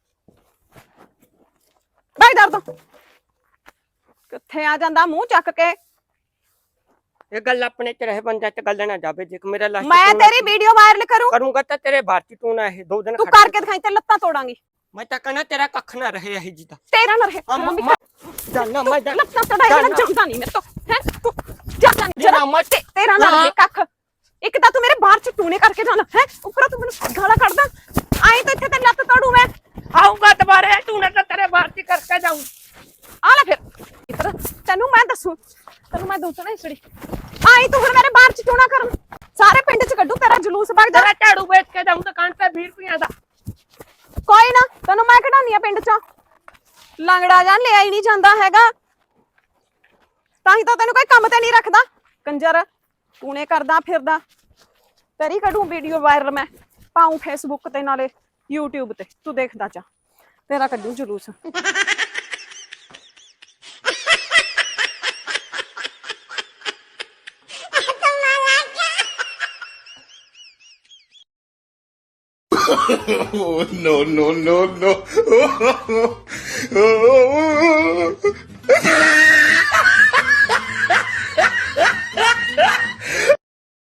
Speaker 1: ਬਹਿ ਦਰ ਤੋਂ ਕਿੱਥੇ ਆ ਜਾਂਦਾ ਮੂੰਹ ਚੱਕ ਕੇ।
Speaker 2: ਇਹ ਗੱਲ ਆਪਣੇ ਚ ਰਹੇ, ਬੰਦਾ ਚ ਗੱਲ ਨਾ ਜਾਵੇ। ਜੇ ਮੇਰਾ ਲਾਸਟ
Speaker 1: ਮੈਂ ਤੇਰੀ ਵੀਡੀਓ ਵਾਇਰਲ ਕਰੂੰ,
Speaker 2: ਕਰੂੰਗਾ ਤਾਂ ਤੇਰੇ ਭਾਰਤੀ ਟੂਣਾ ਇਹ ਦੋ ਦਿਨ
Speaker 1: ਤੂੰ
Speaker 2: ਖੜ
Speaker 1: ਕਰਕੇ ਦਿਖਾਈ ਤੇ ਲੱਤਾਂ ਤੋੜਾਂਗੀ।
Speaker 2: ਮੈਂ ਤਾਂ ਕਹਿਣਾ ਤੇਰਾ ਕੱਖ ਨਾ ਰਹੇ ਇਹ ਜੀ ਦਾ।
Speaker 1: ਤੇਰਾ ਨਾ ਰਹੇ
Speaker 2: ਜਾਨਾ ਮੈਂ ਜਾਨਾ।
Speaker 1: ਲੱਤਾਂ ਤੜਾਈ ਨਾ ਜਾਂਦਾ ਨਹੀਂ ਮੇਰੇ ਤੋਂ ਹੈ। ਤੂੰ ਜਾਂਦਾ ਨਹੀਂ
Speaker 2: ਜਰਾ ਮੈਂ
Speaker 1: ਤੇ ਤੇਰਾ ਨਾ ਰਹੇ ਕੱਖ। ਇੱਕ ਤਾਂ ਤੂੰ ਮੇਰੇ ਬਾਹਰ ਚ ਟੂਣੇ ਕਰਕੇ ਜਾਣਾ ਹੈ, ਉੱਪਰੋਂ ਤੂੰ ਮੈਨੂੰ ਗਾਲਾਂ ਕੱਢਦਾ। ਆਈ ਤਾਂ ਇੱਥੇ ਤੇ ਲੱਤ ਤੋੜੂ ਮੈਂ।
Speaker 2: ਆਉਂਗਾ ਦੁਬਾਰੇ ਟੂਣਾ ਤਾਂ ਤੇਰੇ ਭਾਰਤੀ ਕਰਕੇ ਜਾਊਂ।
Speaker 1: ਆ ਲੈ ਫਿਰ ਇੱਧਰ ਤੈਨੂੰ ਮੈਂ ਦੱਸੂ ਤੈਨੂੰ ਮੈਂ ਦੱਸੂ ਨਾ ਇਸੜੀ ਆਈ ਤੂੰ ਹੁਣ ਮੇਰੇ ਬਾਹਰ ਚ ਟੂਣਾ ਕਰਨ ਸਾਰੇ ਪਿੰਡ ਚ ਕੱਢੂ ਤੇਰਾ ਜਲੂਸ ਵਗ ਜਾ
Speaker 2: ਤੇਰਾ ਝਾੜੂ ਵੇਚ ਕੇ ਜਾਊਂ ਦੁਕਾਨ ਤੇ ਵੀਹ ਰੁਪਈਆ ਦਾ।
Speaker 1: ਕੋਈ ਨਾ ਤੈਨੂੰ ਮੈਂ ਕਢਾਉਣੀ ਆ ਪਿੰਡ ਚੋਂ ਲੰਗੜਾ ਜਾਂ ਲਿਆ ਹੀ ਨਹੀਂ ਜਾਂਦਾ ਹੈਗਾ ਤਾਂ ਹੀ ਤਾਂ ਤੈਨੂੰ ਕੋਈ ਕੰਮ ਤੇ ਨਹੀਂ ਰੱਖਦਾ ਕੰਜਰ ਟੂਣੇ ਕਰਦਾ ਫਿਰਦਾ ਤੇਰੀ ਕੱਢੂ ਵੀਡੀਓ ਵਾਇਰਲ ਮੈਂ ਪਾਉਂ ਫੇਸਬੁੱਕ ਤੇ ਨਾਲੇ YouTube ਤੇ ਤੂੰ ਦੇਖਦਾ ਜਾ ਤੇਰਾ ਕੱਢੂ ਜਲੂਸ
Speaker 5: Oh, no, no, no, no.